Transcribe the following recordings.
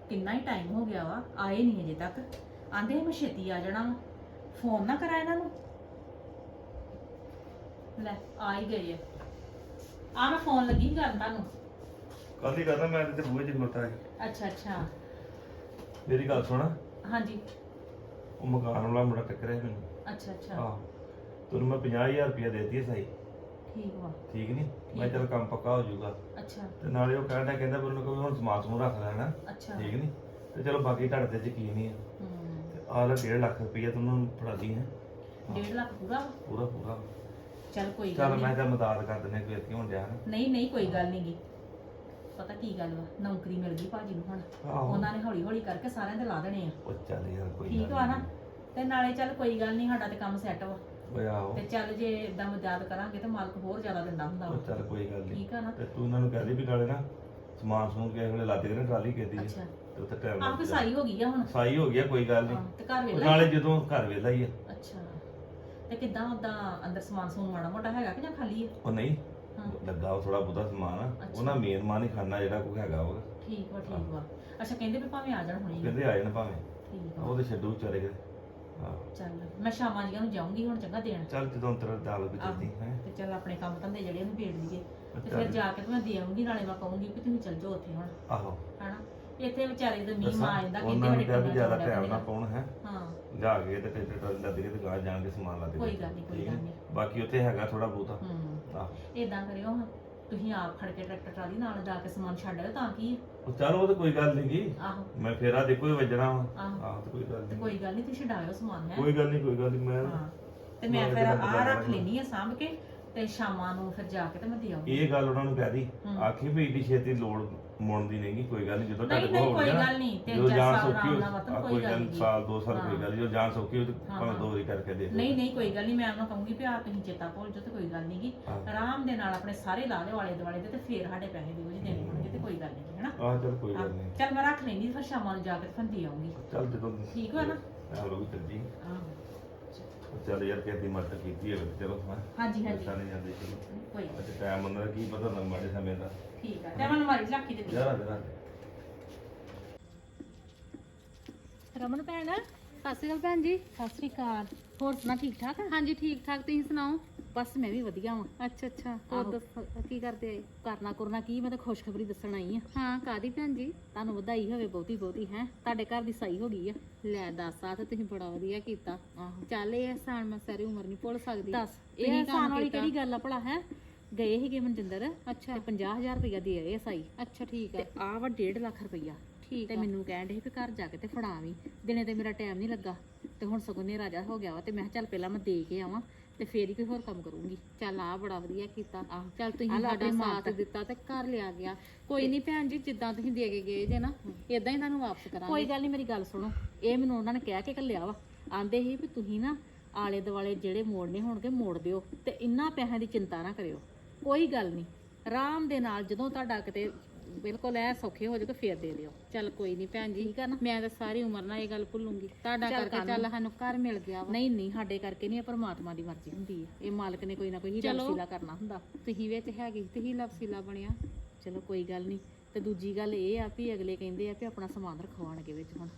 ਕਿੰਨਾ ਹੀ ਟਾਈਮ ਹੋ ਗਿਆ ਵਾ, ਆਏ ਨਹੀਂ ਅਜੇ ਤੱਕ। ਆਂਦੇ ਮੈਂ ਛੇਤੀ ਆ ਜਾਣਾ, ਫੋਨ ਨਾ ਕਰਾ ਇਹਨਾਂ ਨੂੰ। ਲੈ ਆ ਹੀ ਗਏ ਆ ਮੈਂ ਫੋਨ ਲੱਗੀ ਕਰਨ ਤੁਹਾਨੂੰ। ਕੱਲ ਹੀ ਕਰਨਾ, ਮੈਂ ਤੇ ਬੂਹੇ 'ਚ ਖਲੋਤਾ ਹੈ। ਅੱਛਾ ਅੱਛਾ। ਮੇਰੀ ਗੱਲ ਸੁਣ, ਹਾਂਜੀ। ਉਹ ਮਕਾਨ ਵਾਲਾ ਮੁੰਡਾ ਟੱਕਰਿਆ ਮੈਨੂੰ। ਅੱਛਾ ਅੱਛਾ। ਆਹ ਤੈਨੂੰ ਮੈਂ 50,000 ਰੁਪਇਆ ਦੇ ਦਿੱਤੀ ਸਹੀ। ਠੀਕ ਵਾ। ਠੀਕ ਨਹੀਂ, ਮੈਂ ਚੱਲ ਕੰਮ ਪੱਕਾ ਹੋ ਜਾਊਗਾ। ਅੱਛਾ ਤੇ ਨਾਲੇ ਉਹ ਕਹਿੰਦਾ ਵੀ ਉਹਨੂੰ ਕੋਈ ਹੁਣ ਸਮਾਨ ਸਮੂਨ ਰੱਖ ਲੈਣਾ। ਅੱਛਾ। ਠੀਕ ਨਹੀਂ, ਤੇ ਚਲੋ ਬਾਕੀ ਤੁਹਾਡੇ ਤੇ ਯਕੀਨ ਨਹੀਂ ਆ। ਤੇ ਆਹ ਲੈ 1.5 ਲੱਖ ਰੁਪਇਆ ਤੈਨੂੰ ਫੜਾ ਦੀ ਹੈ। 1.5 ਲੱਖ ਪੂਰਾ ਵਾ? ਪੂਰਾ ਪੂਰਾ। ਚੱਲ ਕੋਈ ਚੱਲ ਗੱਲ ਮੈਂ ਨਹੀਂ। ਤਾਂ ਮਦਦ ਕਰ ਦਿੰਦੇ ਕੋਈ ਇੱਥੇ ਹੋਣ ਡਿਆ ਨਾ। ਨਹੀਂ ਨਹੀਂ ਕੋਈ ਗੱਲ ਨਹੀਂ ਗੀ। ਪਤਾ ਕੀ ਗੱਲ ਵਾ, ਨੌਕਰੀ ਮਿਲ ਗਈ ਭਾਜੀ ਨੂੰ ਹੁਣ। ਆਹੋ। ਉਹਨਾਂ ਨੇ ਹੌਲੀ ਹੌਲੀ ਕਰਕੇ ਸਾਰਿਆਂ ਦੇ ਲਾ ਦੇਣੇ ਆ। ਉਹ ਚੱਲ ਯਾਰ ਕੋਈ ਠੀਕ ਵਾ ਨਾ? ਤੇ ਨਾਲੇ ਚੱਲ ਕੋਈ ਗੱਲ ਨਹੀਂ, ਸਾਡਾ ਤੇ ਕੰਮ ਸੈੱਟ ਵਾ। ਓਏ ਆਹੋ। ਤੇ ਚੱਲ ਜੇ ਇਦਾਂ ਮਦਦ ਕਰਾਂਗੇ ਤੇ ਮਾਲਕ ਹੋਰ ਜ਼ਿਆਦਾ ਦਿੰਦਾ ਹੁੰਦਾ ਵਾ। ਉਹ ਚੱਲ ਕੋਈ ਗੱਲ ਨਹੀਂ। ਠੀਕ ਆ ਨਾ? ਤੇ ਤੂੰ ਉਹਨਾਂ ਨੂੰ ਕਹਿ ਦੇ ਵੀ ਨਾਲੇ ਨਾ ਸਮਾਨ ਸਮੂਨ ਕਿਸੇ ਵੇਲੇ ਲੱਦ ਕੇ ਨਾ ਟਰਾਲੀ ਕੀਤੀ ਅੱਛਾ। ਤੇ ਉੱਥੇ ਟਾਈਮ ਆਪ ਸਾਈ ਹੋ ਗਈ ਆ ਹੁਣ। ਸਾਈ ਹੋ ਗਿਆ, ਕੋਈ ਗੱਲ ਨਹੀਂ। ਹਾਂ, ਤੇ ਘਰ ਉਹ ਵੇਲਾ ਨਾਲੇ ਜਦੋਂ ਘਰ ਵੇਲਾ ਹੀ ਆ। ਅੱਛਾ। ਤੇ ਕਿੱਦਾਂ ਉਦਾਂ ਅੰਦਰ ਸਮਾਨ ਸਮੂਨ ਮਾੜਾ ਮੋਟਾ ਹੈਗਾ ਕਿ ਜਾਂ ਖਾਲੀ ਆ? ਉਹ ਨਹੀਂ ਹਾਂ। ਲੱਗਾ ਉਹ ਥੋੜਾ ਬਹੁਤਾ ਸਮਾਨ ਆ। ਅੱਛਾ। ਉਹਨਾਂ ਮੇਨ ਮਾਨ ਹੀ ਖਾਣਾ ਜਿਹੜਾ ਕੋਈ ਹੈਗਾ ਉਹ। ਠੀਕ ਵਾ ਠੀਕ ਵਾ। ਅੱਛਾ ਕਹਿੰਦੇ ਵੀ ਭਾਵੇਂ ਆ ਜਾਣ ਹੁਣੀ। ਕਹਿੰਦੇ ਆ ਜਾਣ ਭਾਵੇਂ। ਠੀਕ ਉਹ ਵਾ। ਤੇ ਛੱਡੂ ਵਿਚਾਰੇ ਕੇ। ਹਾਂ ਚੱਲ ਮੈਂ ਸ਼ਾਮਾਂ ਜੀਆਂ ਨੂੰ ਜਾਊਂਗੀ ਹੁਣ, ਚੰਗਾ ਦੇਣ। ਚੱਲ ਜਦੋਂ ਤੇਰਾ ਦਾਲ ਵੀ ਚੱਲਦੀ ਹੈ। ਤੇ ਚੱਲ ਆਪਣੇ ਕੰਮ ਧੰਦੇ ਜਿਹੜੇ ਉਹਨੂੰ ਭੇੜ ਲਈਏ ਤੇ ਫਿਰ ਜਾ ਕੇ ਤੇ ਮੈਂ ਦੇ ਆਉਂਗੀ। ਨਾਲੇ ਮੈਂ ਕਹੂੰਗੀ ਕਿ ਤੁਸੀਂ ਚੱਲ ਜਾਓ ਉੱਥੇ ਹੁਣ, ਆਹੋ ਹਨਾ? ਇੱਥੇ ਵਿਚਾਰੇ ਦੇ ਮੀਂਹ ਦੱਸਾਂ, ਆ ਜਾਂਦਾ, ਉਹਨਾਂ ਨੂੰ ਕਿਹਾ ਵੀ ਪਿੰਡਾਂ ਜ਼ਿਆਦਾ ਚ ਟਾਈਮ ਨਾ ਪਾਉਣ ਹੈ। ਹਾਂ ਜਾ ਕੇ ਤੇ ਟਰੈਕਟਰ ਟਰਾਲੀ ਲੱਦ ਕੇ ਤੇ ਗਾਹ ਜਾਣ ਕੇ ਸਮਾਨ ਲੱਦ ਕੇ। ਕੋਈ ਗੱਲ ਨਹੀਂ ਕੋਈ ਗੱਲ ਨਹੀਂ। ਬਾਕੀ ਉੱਥੇ ਹੈਗਾ ਥੋੜਾ ਬਹੁਤਾ। ਆਹ ਇਦਾਂ ਕਰਿਓ ਹਾਂ, ਤੁਸੀਂ ਆਪ ਖੜ ਕੇ ਟਰੈਕਟਰ ਟਰਾਲੀ ਨਾਲ ਜਾ ਕੇ ਸਮਾਨ ਛੱਡ ਆਇਓ ਤਾਂ ਕੀ ਆ। ਉਹ ਚੱਲ ਉਹ ਤਾਂ ਕੋਈ ਗੱਲ ਨਹੀਂ ਗੀ। ਆਹੋ ਮੈਂ ਫੇਰਾ ਦੇਖੋ ਹੀ ਵੱਜਣਾ ਵਾ। ਆਹੋ। ਆਹ ਤੇ ਕੋਈ ਗੱਲ ਤੇ ਨਹੀਂ। ਕੋਈ ਗੱਲ ਨਹੀਂ, ਤੁਸੀਂ ਛਡਾਇਓ ਸਮਾਨ ਹੈ। ਕੋਈ ਗੱਲ ਨਹੀਂ, ਕੋਈ ਗੱਲ ਨਹੀਂ। ਮੈਂ ਹਾਂ ਤੇ ਮੈਂ ਫਿਰ ਆ ਰੱਖ ਲੈਣੀ ਆ ਸਾਂਭ ਕੇ, ਤੇ ਸ਼ਾਮਾਂ ਨੂੰ ਫਿਰ ਜਾ ਕੇ ਤੇ ਮੈਂ ਦੇ ਆਉਂਗੀ। ਇਹ ਗੱਲ ਉਹਨਾਂ ਨੂੰ ਕਹਿ ਦੀ, ਹੂੰ। ਆਖੀ ਵੀ ਏਡੀ ਛੇਤੀ ਲੋੜ ਮੁੜਨ ਦੀ ਨਹੀਂਗੀ। ਕੋਈ ਗੱਲ ਨਹੀਂ, ਜਦੋਂ ਨਹੀਂ ਤੁਹਾਡੇ ਨਹੀਂ ਕੋਲ ਹੋ ਕੋਈ ਗਿਆ ਗੱਲ ਨਹੀਂ, ਤੇ ਜਦੋਂ ਜਾਨ ਸਾਲ ਸੌਖੀ ਆਰਾਮ ਨਾਲ ਵਤਨ ਕੋਈ ਗੱਲ ਨਹੀਂ। ਸਾਲ 2 ਸਾਲ ਕੋਈ ਹਾਂ। ਗੱਲ ਨੀ, ਜਦੋਂ ਜਾਨ ਸੌਖੀ ਹੋ ਤੇ ਹਾਂ, ਭਾਵੇਂ ਹਾਂ। 2 ਵਾਰੀ ਕਰਕੇ ਦੇ ਦਿਓ। ਨਹੀਂ ਨਹੀਂ ਕੋਈ ਗੱਲ ਨਹੀਂ, ਮੈਂ ਉਹਨਾਂ ਕਹੂੰਗੀ ਵੀ ਆ ਤੁਸੀਂ ਚੇਤਾ ਭੁੱਲ ਜਾਓ ਤੇ ਕੋਈ ਗੱਲ ਨਹੀਂ ਗੀ। ਹਾਂ। ਆਰਾਮ ਦੇ ਨਾਲ ਆਪਣੇ ਸਾਰੇ ਲਾ ਲਿਓ ਆਲੇ ਦੁਆਲੇ ਦੇ, ਤੇ ਫਿਰ ਸਾਡੇ ਪੈਸੇ ਦਿਓ ਜੀ ਦੇਣੇ ਹੋਣਗੇ ਤੇ ਕੋਈ ਗੱਲ ਨਹੀਂ, ਹੈਨਾ? ਆਹ ਚੱਲ ਕੋਈ ਗੱਲ ਨਹੀਂ। ਚੱਲ ਮੈਂ ਰੱਖ ਲੈਂਦੀ, ਫਿਰ ਸ਼ਾਮਾਂ ਨੂੰ ਜਾ ਕੇ ਫਿਰ ਦੇ ਆਉਂਗੀ। ਚੱਲ ਜਦੋਂ ਠੀਕ ਵਾ ਨਾ? ਆਹ ਲੋਕ ਚੱਲ ਜੀ। ਆਹੋ ਚੱਲ ਯਾਰ ਕਿਸੇ ਦੀ ਮਦਦ ਕੀਤੀ ਹੋਵੇ ਤੇ ਚਲੋ। ਹਾਂ ਹਾਂਜੀ ਹਾਂਜੀ ਨਹੀਂ ਜਾਂਦੇ ਚਲੋ। ਕੋਈ ਗੱਲ ਅੱਜ ਟਾਈਮ ਉਹਨਾਂ ਦਾ ਕੀ ਪਤਾ ਨਾ ਮਾੜੇ ਸਮੇਂ ਦਾ। ਨੀ। ਠੀਕ ਆ, ਤੇ ਮੈਂ ਮਾਰੀ ਝਾਕੀ ਦੇ ਜਰਾ ਜਰਾ ਰਮਨ ਭੈਣ, ਸਤਿ ਸ਼੍ਰੀ ਅਕਾਲ ਭੈਣ ਜੀ। ਸਤਿ ਸ੍ਰੀ ਅਕਾਲ। ਹੋਰ ਸੁਣਾ, ਠੀਕ ਠਾਕ? ਹਾਂਜੀ ਠੀਕ ਠਾਕ, ਤੁਸੀਂ ਸੁਣਾਓ? ਬਸ ਮੈਂ ਵੀ ਵਧੀਆ ਵਾਂ। ਅੱਛਾ ਅੱਛਾ, ਹੋਰ ਆਹੋ। ਦੱਸੋ ਕੀ ਕਰਦੇ ਆਏ? ਕਰਨਾ ਕਰਨਾ ਕੀ, ਮੈਂ ਤਾਂ ਖੁਸ਼ਖਬਰੀ ਦੱਸਣ ਆਈ ਆ। ਹਾਂ ਕਾਦੀ ਭੈਣ ਜੀ? ਤੁਹਾਨੂੰ ਵਧਾਈ ਹੋਵੇ ਬਹੁਤੀ ਬਹੁਤੀ, ਹੈ ਤੁਹਾਡੇ ਘਰ ਦੀ ਸਾਈ ਹੋ ਗਈ ਆ। ਲੈ ਦੱਸ, ਆ ਤਾਂ ਤੁਸੀਂ ਬੜਾ ਵਧੀਆ ਕੀਤਾ। ਆਹੋ ਚੱਲ ਇਹ ਅਹਿਸਾਨ ਮੈਂ ਸਾਰੀ ਉਮਰ ਨਹੀਂ ਭੁੱਲ ਸਕਦੀ। ਦੱਸ, ਤੁਸੀਂ ਇਹ ਕੰਮ ਆਸਾਨ ਵਾਲੀ ਕੀਤਾ। ਕਿਹੜੀ ਗੱਲ ਆ ਭਲਾ? ਹੈ ਗਏ ਸੀਗੇ ਮਨਜਿੰਦਰ ਅੱਛਾ ਤੇ 50,000 ਰੁਪਇਆ ਦੇ ਆਏ ਆ ਸਾਈ। ਅੱਛਾ ਠੀਕ ਤੇ ਆ। ਆਹ ਵਾ 1.5 ਲੱਖ ਰੁਪਇਆ। ਠੀਕ ਤੇ ਆ। ਮੈਨੂੰ ਕਹਿਣ ਦੇ ਵੀ ਘਰ ਜਾ ਕੇ ਤੇ ਫੜਾਵੀਂ। ਦਿਨੇ ਤੇ ਮੇਰਾ ਟਾਈਮ ਨਹੀਂ ਲੱਗਾ, ਤੇ ਹੁਣ ਸਗੋਂ ਨੇ ਰਾਜਾ ਹੋ ਗਿਆ ਵਾ, ਤੇ ਮੈਂ ਕਿਹਾ ਚੱਲ ਪਹਿਲਾਂ ਮੈਂ ਦੇ ਕੇ ਆਵਾਂ ਤੇ ਫੇਰ ਹੀ ਕੋਈ ਹੋਰ ਕੰਮ ਕਰੂੰਗੀ। ਚੱਲ ਆ ਬੜਾ ਵਧੀਆ ਕੀਤਾ। ਆਹੋ ਚੱਲ ਤੁਸੀਂ ਆਹ ਲੈ ਸਾਡਾ ਆਪਣੀ ਸਾਥ ਮਾਂ ਦਿੱਤਾ ਤੇ ਘਰ ਲਿਆ ਗਿਆ। ਕੋਈ ਨਹੀਂ ਭੈਣ ਜੀ, ਜਿੱਦਾਂ ਤੁਸੀਂ ਦੇ ਕੇ ਗਏ ਜੇ ਨਾ, ਇਦਾਂ ਹੀ ਤੁਹਾਨੂੰ ਵਾਪਸ ਕੋਈ ਕਰਾਂਗੇ। ਗੱਲ ਨਹੀਂ, ਮੇਰੀ ਗੱਲ ਸੁਣੋ। ਇਹ ਮੈਨੂੰ ਉਹਨਾਂ ਨੇ ਕਹਿ ਕੇ ਘੱਲਿਆ ਵਾ। ਆਂਦੇ ਸੀ ਵੀ ਤੁਸੀਂ ਨਾ ਆਲੇ ਦੁਆਲੇ ਜਿਹੜੇ ਮੋੜਨੇ ਹੋਣਗੇ ਮੋੜ ਦਿਓ, ਤੇ ਇੰਨਾ ਪੈਸਿਆਂ ਦੀ ਚਿੰਤਾ ਨਾ ਕਰਿਓ। ਕੋਈ ਗੱਲ ਨਹੀਂ, ਆਰਾਮ ਦੇ ਨਾਲ ਜਦੋਂ ਤੁਹਾਡਾ ਕਿਤੇ ਬਿਲਕੁਲ ਐ ਸੌਖੇ ਹੋ ਜਾਵੇ ਫੇਰ ਦੇ ਦਿਓ। ਚੱਲ ਕੋਈ ਨਹੀਂ ਭੈਣ ਜੀ, ਠੀਕ ਆ ਨਾ? ਮੈਂ ਤਾਂ ਸਾਰੀ ਉਮਰ ਨਾਲ ਇਹ ਗੱਲ ਭੁੱਲੂੰਗੀ। ਤੁਹਾਡਾ ਚੱਲ ਕਰਕੇ ਚੱਲ ਸਾਨੂੰ ਘਰ ਮਿਲ ਗਿਆ ਵਾ। ਨਹੀਂ ਨਹੀਂ, ਸਾਡੇ ਕਰਕੇ ਨਹੀਂ, ਇਹ ਪਰਮਾਤਮਾ ਦੀ ਮਰਜ਼ੀ ਹੁੰਦੀ ਹੈ। ਇਹ ਮਾਲਕ ਨੇ ਕੋਈ ਨਾ ਕੋਈ ਹੀਰਾ ਚਲੋ। ਵਸੀਲਾ ਕਰਨਾ ਹੁੰਦਾ। ਤੁਸੀਂ ਵਿੱਚ ਹੈਗੀ, ਤੁਸੀਂ ਲਫਸੀਲਾ ਬਣਿਆ। ਚਲੋ ਕੋਈ ਗੱਲ ਨਹੀਂ। ਤੇ ਦੂਜੀ ਗੱਲ ਇਹ ਆ ਵੀ ਅਗਲੇ ਕਹਿੰਦੇ ਆ ਵੀ ਆਪਣਾ ਸਮਾਨ ਰਖਵਾਉਣਗੇ ਵਿੱਚ ਹੁਣ।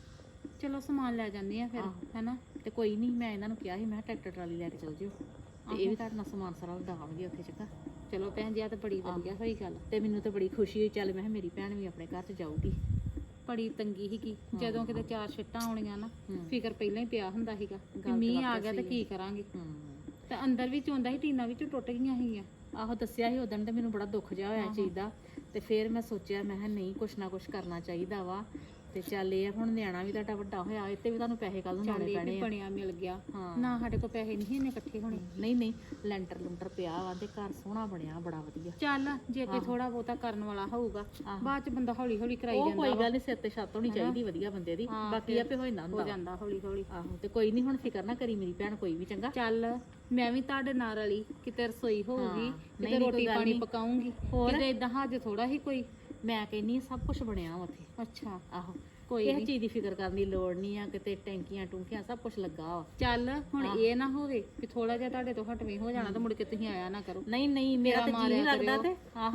ਚਲੋ ਸਮਾਨ ਲੈ ਜਾਂਦੇ ਆ ਫਿਰ, ਆਹੋ। ਹੈਨਾ? ਤੇ ਕੋਈ ਨਹੀਂ, ਮੈਂ ਇਹਨਾਂ ਨੂੰ ਕਿਹਾ ਸੀ, ਮੈਂ ਕਿਹਾ ਟਰੈਕਟਰ ਟਰਾਲੀ ਲੈ ਕੇ ਚਲ ਜਿਓ, ਤੇ ਇਹ ਵੀ ਤੁਹਾਡੇ ਨਾਲ ਸਮਾਨ ਸਾਰਾ ਲਦਾਵਣਗੇ ਉੱਥੇ ਚੰਗਾ। ਚਲੋ ਭੈਣ ਜੀ, ਆ ਤਾਂ ਬੜੀ ਵਧੀਆ ਹੋਈ ਗੱਲ। ਤੇ ਮੈਨੂੰ ਤਾਂ ਬੜੀ ਖੁਸ਼ੀ ਹੋਈ। ਚੱਲ ਮੈਂ ਕਿਹਾ ਮੇਰੀ ਭੈਣ ਵੀ ਆਪਣੇ ਘਰ 'ਚ ਜਾਊਗੀ। ਬੜੀ ਤੰਗੀ ਸੀਗੀ ਜਦੋਂ ਕਿਤੇ 4 ਛਿੱਟਾਂ ਆਉਣੀਆਂ ਨਾ, ਹੂੰ। ਫਿਕਰ ਪਹਿਲਾਂ ਹੀ ਪਿਆ ਹੁੰਦਾ ਸੀਗਾ ਕਿ ਗੱਲ ਤਾਂ ਮੀਂਹ ਆ ਵਾਕਿਆ ਗਿਆ ਤੇ ਸਹੀ ਕੀ ਕਰਾਂਗੇ। ਹੂੰ। ਤੇ ਅੰਦਰ ਵੀ ਚੋਂਦਾ ਸੀ, ਟੀਨਾਂ ਵਿੱਚ ਟੁੱਟ ਗਈਆਂ ਸੀਗੀਆਂ। ਆਹੋ ਦੱਸਿਆ ਸੀ ਉਦੋਂ, ਤੇ ਮੈਨੂੰ ਬੜਾ ਦੁੱਖ ਜਿਹਾ ਹੋਇਆ ਇਸ ਚੀਜ਼ ਦਾ। ਤੇ ਫਿਰ ਮੈਂ ਸੋਚਿਆ, ਮੈਂ ਕਿਹਾ ਨਹੀਂ, ਕੁਛ ਨਾ ਕੁਛ ਕਰਨਾ ਚਾਹੀਦਾ ਵਾ। ਤੇ ਚੱਲ ਇਹ ਆ, ਹੁਣ ਨਿਆਣਾ ਵੀ ਤੁਹਾਡਾ ਵੱਡਾ ਹੋਇਆ, ਇੱਥੇ ਵੀ ਤੁਹਾਨੂੰ ਪੈਸੇ ਕੱਲ ਨੂੰ ਚੱਲ ਲਾਉਣੇ ਇਹ ਪੈਣੇ ਵੀ ਆ। ਬਣਿਆ ਮਿਲ ਗਿਆ। ਹਾਂ। ਨਾ ਸਾਡੇ ਕੋਲ ਪੈਸੇ ਨਹੀਂ ਇੰਨੇ ਇਕੱਠੇ ਹੋਣੇ। ਨਹੀਂ ਨਹੀਂ, ਲੈਂਟਰ ਲੁੰਟਰ ਪਿਆ ਵਾ ਤੇ ਘਰ ਸੋਹਣਾ ਬਣਿਆ, ਬੜਾ ਵਧੀਆ। ਚੱਲ ਜੇ ਕੋਈ ਆਹੋ। ਥੋੜਾ ਬਹੁਤਾ ਕਰਨ ਵਾਲਾ ਹੋਊਗਾ, ਆਹੋ। ਬਾਅਦ ਚ ਬੰਦਾ ਹੌਲੀ ਹੌਲੀ ਕਰਾਈ ਉਹ ਜਾਂਦਾ ਕੋਈ ਵਾ। ਗੱਲ ਨਹੀਂ, ਸਿਰ ਤੇ ਛੱਤ ਹੋਣੀ ਹਨਾ? ਚਾਹੀਦੀ ਵਧੀਆ ਬੰਦੇ ਦੀ। ਹਾਂ, ਬਾਕੀ ਫਿਰ ਆਪੇ ਹੋ ਜਾਂਦਾ ਹੋ ਹੁੰਦਾ ਵਾ। ਜਾਂਦਾ ਹੌਲੀ ਹੌਲੀ। ਆਹੋ ਤੇ ਕੋਈ ਨਹੀਂ, ਹੁਣ ਫਿਕਰ ਨਾ ਕਰੀ ਮੇਰੀ ਭੈਣ ਕੋਈ ਵੀ, ਚੰਗਾ। ਚੱਲ ਮੈਂ ਵੀ ਤੁਹਾਡੇ ਨਾਲ ਰਲੀ, ਕਿਤੇ ਰਸੋਈ ਹੋਊਗੀ, ਹਾਂ। ਕਿਤੇ ਨਹੀਂ, ਰੋਟੀ ਕੋਈ ਗੱਲ ਪਾਣੀ ਨਹੀਂ। ਪਕਾਉਂਗੀ, ਹੋਰ? ਕਿਤੇ ਇਦਾਂ ਹੱਜ ਥੋੜਾ ਹੀ ਕੋਈ। ਮੈਂ ਕਹਿੰਨੀ ਸਭ ਕੁਝ ਬਣਿਆ ਵਾ ਉੱਥੇ। ਅੱਛਾ ਆਹੋ, ਕੋਈ ਇਹ ਨਹੀਂ। ਚੀਜ਼ ਦੀ ਫਿਕਰ ਕਰਨ ਦੀ ਲੋੜ ਨਹੀਂ ਆ। ਕਿਤੇ ਟੈਂਕੀਆਂ ਟੂੰਕੀਆਂ ਸਭ ਕੁਝ ਲੱਗਾ ਵਾ। ਚੱਲ ਹੁਣ ਹਾਂ। ਇਹ ਨਾ ਹੋਵੇ ਕਿ ਥੋੜਾ ਜਿਹਾ ਤੁਹਾਡੇ ਤੋਂ ਹਟਵੇਂ ਹੋ ਜਾਣਾ ਤਾਂ ਮੁੜ ਕੇ ਤੁਸੀਂ ਆਇਆ ਨਾ ਕਰੋ। ਨਹੀਂ ਨਹੀਂ, ਮੇਰਾ ਫੇਰਾ ਤਾਂ ਜੀ ਨਹੀਂ ਮਾਰਿਆ ਲੱਗਦਾ। ਕਰਿਓ। ਤੇ ਆਹੋ,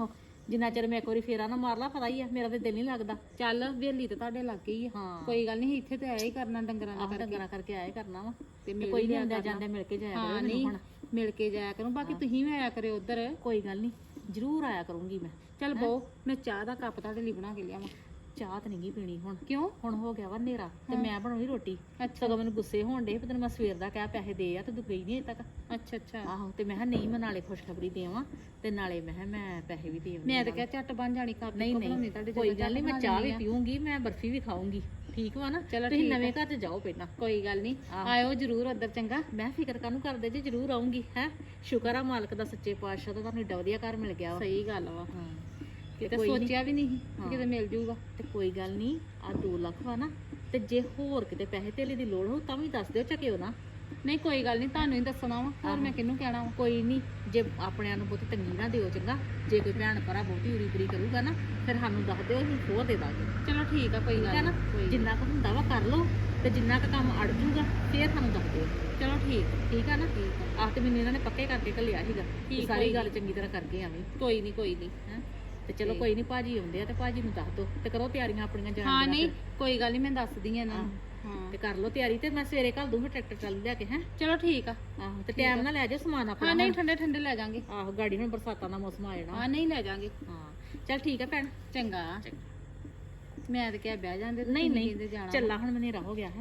ਜਿੰਨਾ ਚਿਰ ਮੈਂ ਇੱਕ ਵਾਰੀ ਫੇਰਾ ਨਾ ਮਾਰ ਲਾ ਪਤਾ ਹੀ ਆ ਮੇਰਾ ਤੇ ਦਿਲ ਨਹੀਂ ਲੱਗਦਾ। ਚੱਲ ਵੇਲੀ ਤੇ ਤੁਹਾਡੇ ਲੱਗ ਗਈ ਆ ਹਾਂ ਕੋਈ ਗੱਲ ਨਹੀਂ ਇੱਥੇ ਤੇ ਆਇਆ ਹੀ ਕਰਨਾ ਡੰਗਰਾਂ ਦਾ ਆਹ ਕਰਕੇ ਡੰਗਰਾਂ ਕਰਕੇ ਆਏ ਕਰਨਾ ਵਾ ਤੇ ਤੇ ਮਿਲ ਕੋਈ ਹੀ ਨਹੀਂ ਜਾਇਆ ਆਉਂਦਾ ਕਰਨਾ। ਜਾਂਦੇ ਮਿਲ ਕੇ ਜਾਇਆ ਹਾਂ ਕਰੋ ਨਹੀਂ ਮੈਨੂੰ ਹੁਣ। ਮਿਲ ਕੇ ਜਾਇਆ ਕਰੂੰ ਬਾਕੀ ਤੁਸੀਂ ਵੀ ਆਇਆ ਕਰਿਓ ਉਧਰ। ਕੋਈ ਗੱਲ ਨਹੀਂ ਜ਼ਰੂਰ ਆਇਆ ਕਰੂੰਗੀ ਮੈਂ। ਚੱਲ ਬਹੁ ਮੈਂ ਚਾਹ ਦਾ ਕੱਪ ਤੁਹਾਡੇ ਲਈ ਬਣਾ ਕੇ ਲਿਆਵਾਂ। ਚਾਹ ਤਾਂ ਨਹੀਂ ਗੀ ਪੀਣੀ ਹੁਣ, ਕਿਉਂ? ਹੁਣ ਹੋ ਗਿਆ ਵਾ ਹਨੇਰਾ ਤੇ ਮੈਂ ਬਣਾਉਣੀ ਰੋਟੀ। ਅੱਛਾ ਸਗੋਂ ਮੈਨੂੰ ਗੁੱਸੇ ਹੋਣ ਡੇ ਪਤਾ ਨੀ ਮੈਂ ਸਵੇਰ ਦਾ ਕਿਹਾ ਪੈਸੇ ਦੇ ਆ ਤੇ ਤੂੰ ਗਈ ਨਹੀਂ ਅਜੇ ਤੱਕ। ਅੱਛਾ ਅੱਛਾ ਆਹੋ ਤੇ ਮੈਂ ਕਿਹਾ ਨਹੀਂ ਮੈਂ ਨਾਲੇ ਖੁਸ਼ਖਬਰੀ ਦੇਵਾਂ ਤੇ ਨਾਲੇ ਮੈਂ ਕਿਹਾ ਮੈਂ ਪੈਸੇ ਵੀ ਦੇਵਾਂ। ਮੈਂ ਤਾਂ ਕਿਹਾ ਝੱਟ ਬਣ ਜਾਣੀ ਕੱਪ ਨਹੀਂ ਬਣਾਉਣੀ ਤੁਹਾਡੇ ਕੋਈ ਜਿੱਦਾਂ ਗੱਲ ਨਹੀਂ ਮੈਂ ਝੱਟ ਚਾਹ ਬਣਾ ਵੀ ਦਿੰਦੀ ਆ। ਪੀਊਂਗੀ ਮੈਂ ਬਰਫੀ ਵੀ ਖਾਊਂਗੀ ਠੀਕ ਵਾ ਨਾ। ਚਲੋ ਤੁਸੀਂ ਠੀਕ ਨਵੇਂ ਘਰ 'ਚ ਜਾਓ ਪਹਿਲਾਂ। ਕੋਈ ਗੱਲ ਨਹੀਂ ਆਹੋ। ਆਇਓ ਜ਼ਰੂਰ ਉਧਰ ਚੰਗਾ। ਮੈਂ ਫਿਕਰ ਕਾਹਨੂੰ ਕਰਦੇ ਜੀ ਜ਼ਰੂਰ ਆਉਂਗੀ ਹੈ। ਸ਼ੁਕਰ ਆ ਮਾਲਕ ਦਾ ਸੱਚੇ ਪਾਤਸ਼ਾਹ ਦਾ ਤੁਹਾਨੂੰ ਏਡਾ ਵਧੀਆ ਘਰ ਮਿਲ ਗਿਆ ਵਾ। ਸਹੀ ਗੱਲ ਵਾ ਹਾਂ ਕਿਤੇ ਕੋਈ ਨੀ। ਸੋਚਿਆ ਵੀ ਨਹੀਂ ਸੀ ਹਾਂ। ਕਿ ਕਿਤੇ ਮਿਲ ਜੂਗਾ। ਤੇ ਕੋਈ ਗੱਲ ਨਹੀਂ ਆ 2 ਲੱਖ ਵਾ ਨਾ ਤੇ ਜੇ ਹੋਰ ਕਿਤੇ ਪੈਸੇ ਧੇਲੇ ਦੀ ਲੋੜ ਹੋ ਤਾਂ ਵੀ ਦੱਸ ਦਿਓ ਚੱਕਿਓ ਨਾ। ਨਹੀਂ ਕੋਈ ਗੱਲ ਨਹੀਂ ਤੁਹਾਨੂੰ ਹੀ ਦੱਸਣਾ ਵਾ ਹੋਰ ਮੈਂ ਕਿਹਨੂੰ ਕਹਿਣਾ ਵਾ। ਕੋਈ ਨਹੀਂ ਜੇ ਆਪਣਿਆਂ ਨੂੰ ਬਹੁਤੀ ਤੰਗੀ ਨਾ ਦਿਓ ਚੰਗਾ। ਜੇ ਕੋਈ ਭੈਣ ਭਰਾ ਬਹੁਤੀ ਉਰੀ ਪਰੀ ਕਰੂਗਾ ਨਾ ਫਿਰ ਸਾਨੂੰ ਦੱਸ ਦਿਓ ਅਸੀਂ ਹੋਰ ਦੇ ਦਾਂਗੇ। ਚਲੋ ਠੀਕ ਆ ਕੋਈ ਠੀਕ ਗੱਲ ਹੈ ਨਾ ਨੀ, ਕੋਈ ਨੀ। ਜਿੰਨਾ ਕੁ ਹੁੰਦਾ ਵਾ ਕਰ ਲਓ ਤੇ ਜਿੰਨਾ ਕੁ ਕੰਮ ਅੜ ਜੂਗਾ ਫਿਰ ਸਾਨੂੰ ਦੱਸ ਦਿਓ। ਚਲੋ ਠੀਕ ਆ ਨਾ ਠੀਕ ਆ। ਆਹ ਤੇ ਮੈਨੂੰ ਇਹਨਾਂ ਨੇ ਪੱਕੇ ਕਰਕੇ ਘੱਲਿਆ ਸੀਗਾ ਕਿ ਠੀਕ, ਸਾਰੀ ਕੋਈ ਗੱਲ ਚੰਗੀ ਤਰ੍ਹਾਂ ਕਰਕੇ ਆਵੀਂ ਕੋਈ ਨਹੀਂ ਕੋਈ ਨਹੀਂ ਹੈਂ ਤੇ ਚਲੋ ਠੀਕ। ਕੋਈ ਨਹੀਂ ਭਾਜੀ ਆਉਂਦੇ ਆ ਤੇ ਭਾਜੀ ਨੂੰ ਦੱਸ ਦਿਓ ਤੇ ਕਰੋ ਤਿਆਰੀਆਂ ਆਪਣੀਆਂ ਜਾਣ ਹਾਂ ਦੀਆਂ ਨਹੀਂ ਫਿਰ। ਕੋਈ ਗੱਲ ਨਹੀਂ ਮੈਂ ਦੱਸਦੀ ਆ ਇਹਨਾਂ ਨੂੰ ਹਾਂ ਤੇ ਕਰ ਲਓ ਤਿਆਰੀ ਤੇ ਮੈਂ ਸਵੇਰੇ ਘੱਲ ਦੂੰਗਾ ਟਰੈਕਟਰ ਚੱਲ ਲਿਆ ਕੇ ਹੈ। ਚਲੋ ਠੀਕ ਆ। ਆਹੋ ਤੇ ਟਾਈਮ ਨਾਲ ਲੈ ਜਾਓ ਸਮਾਨ ਆਪਣਾ ਹਾਂ ਨਹੀਂ ਹੁਣ। ਠੰਡੇ ਠੰਡੇ ਲੈ ਜਾਾਂਗੇ। ਆਹੋ ਗਾੜੀ ਹੁਣ ਬਰਸਾਤਾਂ ਦਾ ਮੌਸਮ ਆ ਜਾਣਾ। ਹਾਂ ਨਹੀਂ ਲੈ ਜਾਾਂਗੇ। ਹਾਂ ਚੱਲ ਠੀਕ ਹੈ ਭੈਣ। ਚੰਗਾ ਮੈਂ ਤਾਂ ਕਿਹਾ ਬਹਿ ਜਾਂਦੇ ਤੇ ਨਹੀਂ ਤੁਸੀਂ ਨਹੀਂ ਕਹਿੰਦੇ ਜਾਣਾ ਚੱਲਾ ਹੁਣ ਹਨੇਰਾ ਹੋ ਗਿਆ ਹੈ।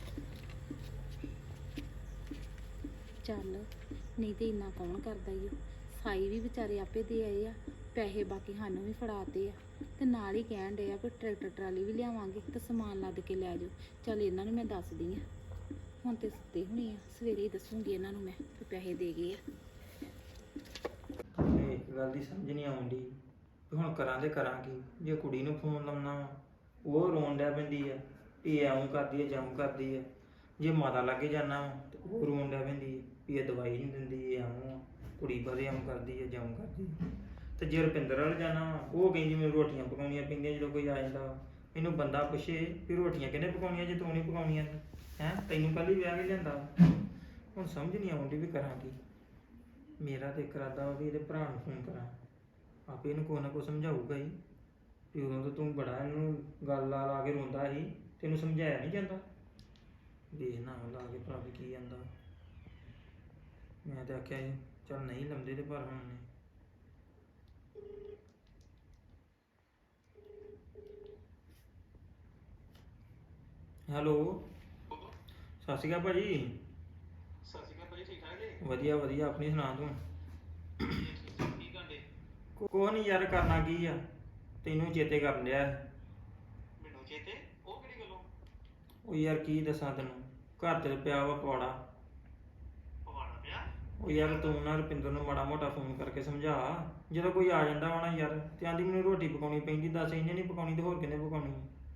ਚੱਲ ਨਹੀਂ ਤੇ ਇੰਨਾ ਕੌਣ ਕਰਦਾ ਈ ਓ। ਸਾਈ ਵੀ ਵਿਚਾਰੇ ਆਪੇ ਦੇ ਆਏ ਆ ਪੈਸੇ ਬਾਕੀ ਸਾਨੂੰ ਵੀ ਫੜਾਤੇ ਆ ਤੇ ਨਾਲ ਹੀ ਕਹਿਣ ਡੇ ਆ ਵੀ ਟਰੈਕਟਰ ਟਰਾਲੀ ਵੀ ਲਿਆਵਾਂਗੇ ਤੇ ਸਮਾਨ ਲੱਦ ਕੇ ਲੈ ਜਾਓ। ਚੱਲ ਇਹਨਾਂ ਨੂੰ ਮੈਂ ਦੱਸਦੀ ਆ ਹੁਣ ਤੇ ਸੁੱਤੇ ਹੋਣੇ ਆ ਸਵੇਰੇ ਹੀ ਦੱਸੂਗੀ ਇਹਨਾਂ ਨੂੰ ਮੈਂ ਵੀ ਪੈਸੇ ਦੇ ਗਏ ਆ। ਮੈਨੂੰ ਇੱਕ ਗੱਲ ਦੀ ਸਮਝ ਨਹੀਂ ਆਉਂਦੀ ਵੀ ਹੁਣ ਕਰਾਂ ਤੇ ਕਰਾਂ ਕੀ। ਜੇ ਕੁੜੀ ਨੂੰ ਫੋਨ ਲਾਉਣਾ ਵਾ ਉਹ ਰੋਣ ਡਿਆ ਪੈਂਦੀ ਆ ਵੀ ਇਹ ਆਉਂ ਕਰਦੀ ਆ ਜਾਉਂ ਕਰਦੀ ਆ। ਜੇ ਮਾਤਾ ਲਾਗੇ ਜਾਣਾ ਵਾ ਤੇ ਉਹ ਰੋਣ ਡਿਆ ਪੈਂਦੀ ਆ ਵੀ ਇਹ ਦਵਾਈ ਨਹੀਂ ਦਿੰਦੀ ਇਹ ਆਉਂ ਆ ਕੁੜੀ ਬਾਰੇ ਆਉਂ ਕਰਦੀ ਆ ਜਾਉਂ ਕਰਦੀ ਆ। ਤੇ ਜੇ ਰੁਪਿੰਦਰ ਵੱਲ ਜਾਣਾ ਵਾ ਉਹ ਕਹਿੰਦੀ ਮੈਨੂੰ ਰੋਟੀਆਂ ਪਕਾਉਣੀਆਂ ਪੈਂਦੀਆਂ ਜਦੋਂ ਕੋਈ ਆ ਜਾਂਦਾ ਵਾ। ਮੈਨੂੰ ਬੰਦਾ ਪੁੱਛੇ ਵੀ ਰੋਟੀਆਂ ਕਿਹਨੇ ਪਕਾਉਣੀਆਂ ਜੇ ਤੂੰ ਨਹੀਂ ਪਕਾਉਣੀਆਂ ਹੈ ਤੈਨੂੰ ਕੱਲ੍ਹ ਹੀ ਵਿਆਹ ਕੇ ਲਿਆਂਦਾ ਵਾ। ਹੁਣ ਸਮਝ ਨਹੀਂ ਆਉਂਦੀ ਵੀ ਕਰਾਂ ਕੀ। ਮੇਰਾ ਤੇ ਇੱਕ ਇਰਾਦਾ ਵਾ ਵੀ ਇਹਦੇ ਭਰਾ ਨੂੰ ਫੋਨ ਕਰਾਂ ਆਪੇ ਇਹਨੂੰ ਕੋਈ ਨਾ ਕੋਈ ਸਮਝਾਊਗਾ ਹੀ ਵੀ ਉਦੋਂ ਤਾਂ ਤੂੰ ਬੜਾ ਇਹਨੂੰ ਗੱਲ ਲਾ ਲਾ ਕੇ ਰੋਂਦਾ ਸੀ ਤੈਨੂੰ ਸਮਝਾਇਆ ਨਹੀਂ ਜਾਂਦਾ। ਦੇਖਣਾ ਲਾ ਕੇ ਭਰਾ ਵੀ ਕੀ ਜਾਂਦਾ। ਮੈਂ ਤਾਂ ਆਖਿਆ ਸੀ ਚੱਲ ਨਹੀਂ ਲੰਦੇ ਤੇ ਪਰ ਹੁਣ ਨੇ ਹੈਲੋ ਸਤਿ ਸ਼੍ਰੀ ਅਕਾਲ ਭਾਜੀ। ਸਤਿ ਸ਼੍ਰੀ ਅਕਾਲ ਭਾਜੀ ਠੀਕ ਠਾਕ ਜੀ ਵਧੀਆ ਵਧੀਆ ਆਪਣੀ ਸੁਣਾ ਤੂੰ। ਕੀ ਕਰਦੇ ਕੋਹ ਨਹੀਂ ਯਾਰ ਕਰਨਾ ਕੀ ਆ ਤੈਨੂੰ ਚੇਤੇ ਕਰਨ ਡਿਆ ਸੀ। ਮੈਨੂੰ ਚੇਤੇ ਉਹ ਕਿਹੜੀ ਗੱਲੋਂ ਉਹ ਯਾਰ ਕੀ ਦੱਸਾਂ ਤੈਨੂੰ ਘਰ ਤੇ ਪਿਆ ਵਾ ਪਵਾੜਾ। ਪਵਾੜਾ ਪਿਆ ਉਹ ਯਾਰ ਤੂੰ ਨਾ ਰੁਪਿੰਦਰ ਨੂੰ ਮਾੜਾ ਮੋਟਾ ਫੋਨ ਕਰਕੇ ਸਮਝਾ ਜਦੋਂ ਕੋਈ ਆ ਜਾਂਦਾ ਵਾ ਨਾ ਯਾਰ ਤੇ ਆਂਦੀ ਮੈਨੂੰ ਰੋਟੀ ਪਕਾਉਣੀ ਪੈਂਦੀ। ਦੱਸ ਇਹਨੇ ਨਹੀਂ ਪਕਾਉਣੀ ਤੇ ਹੋਰ ਕਿਹਨੇ ਪਕਾਉਣੀ।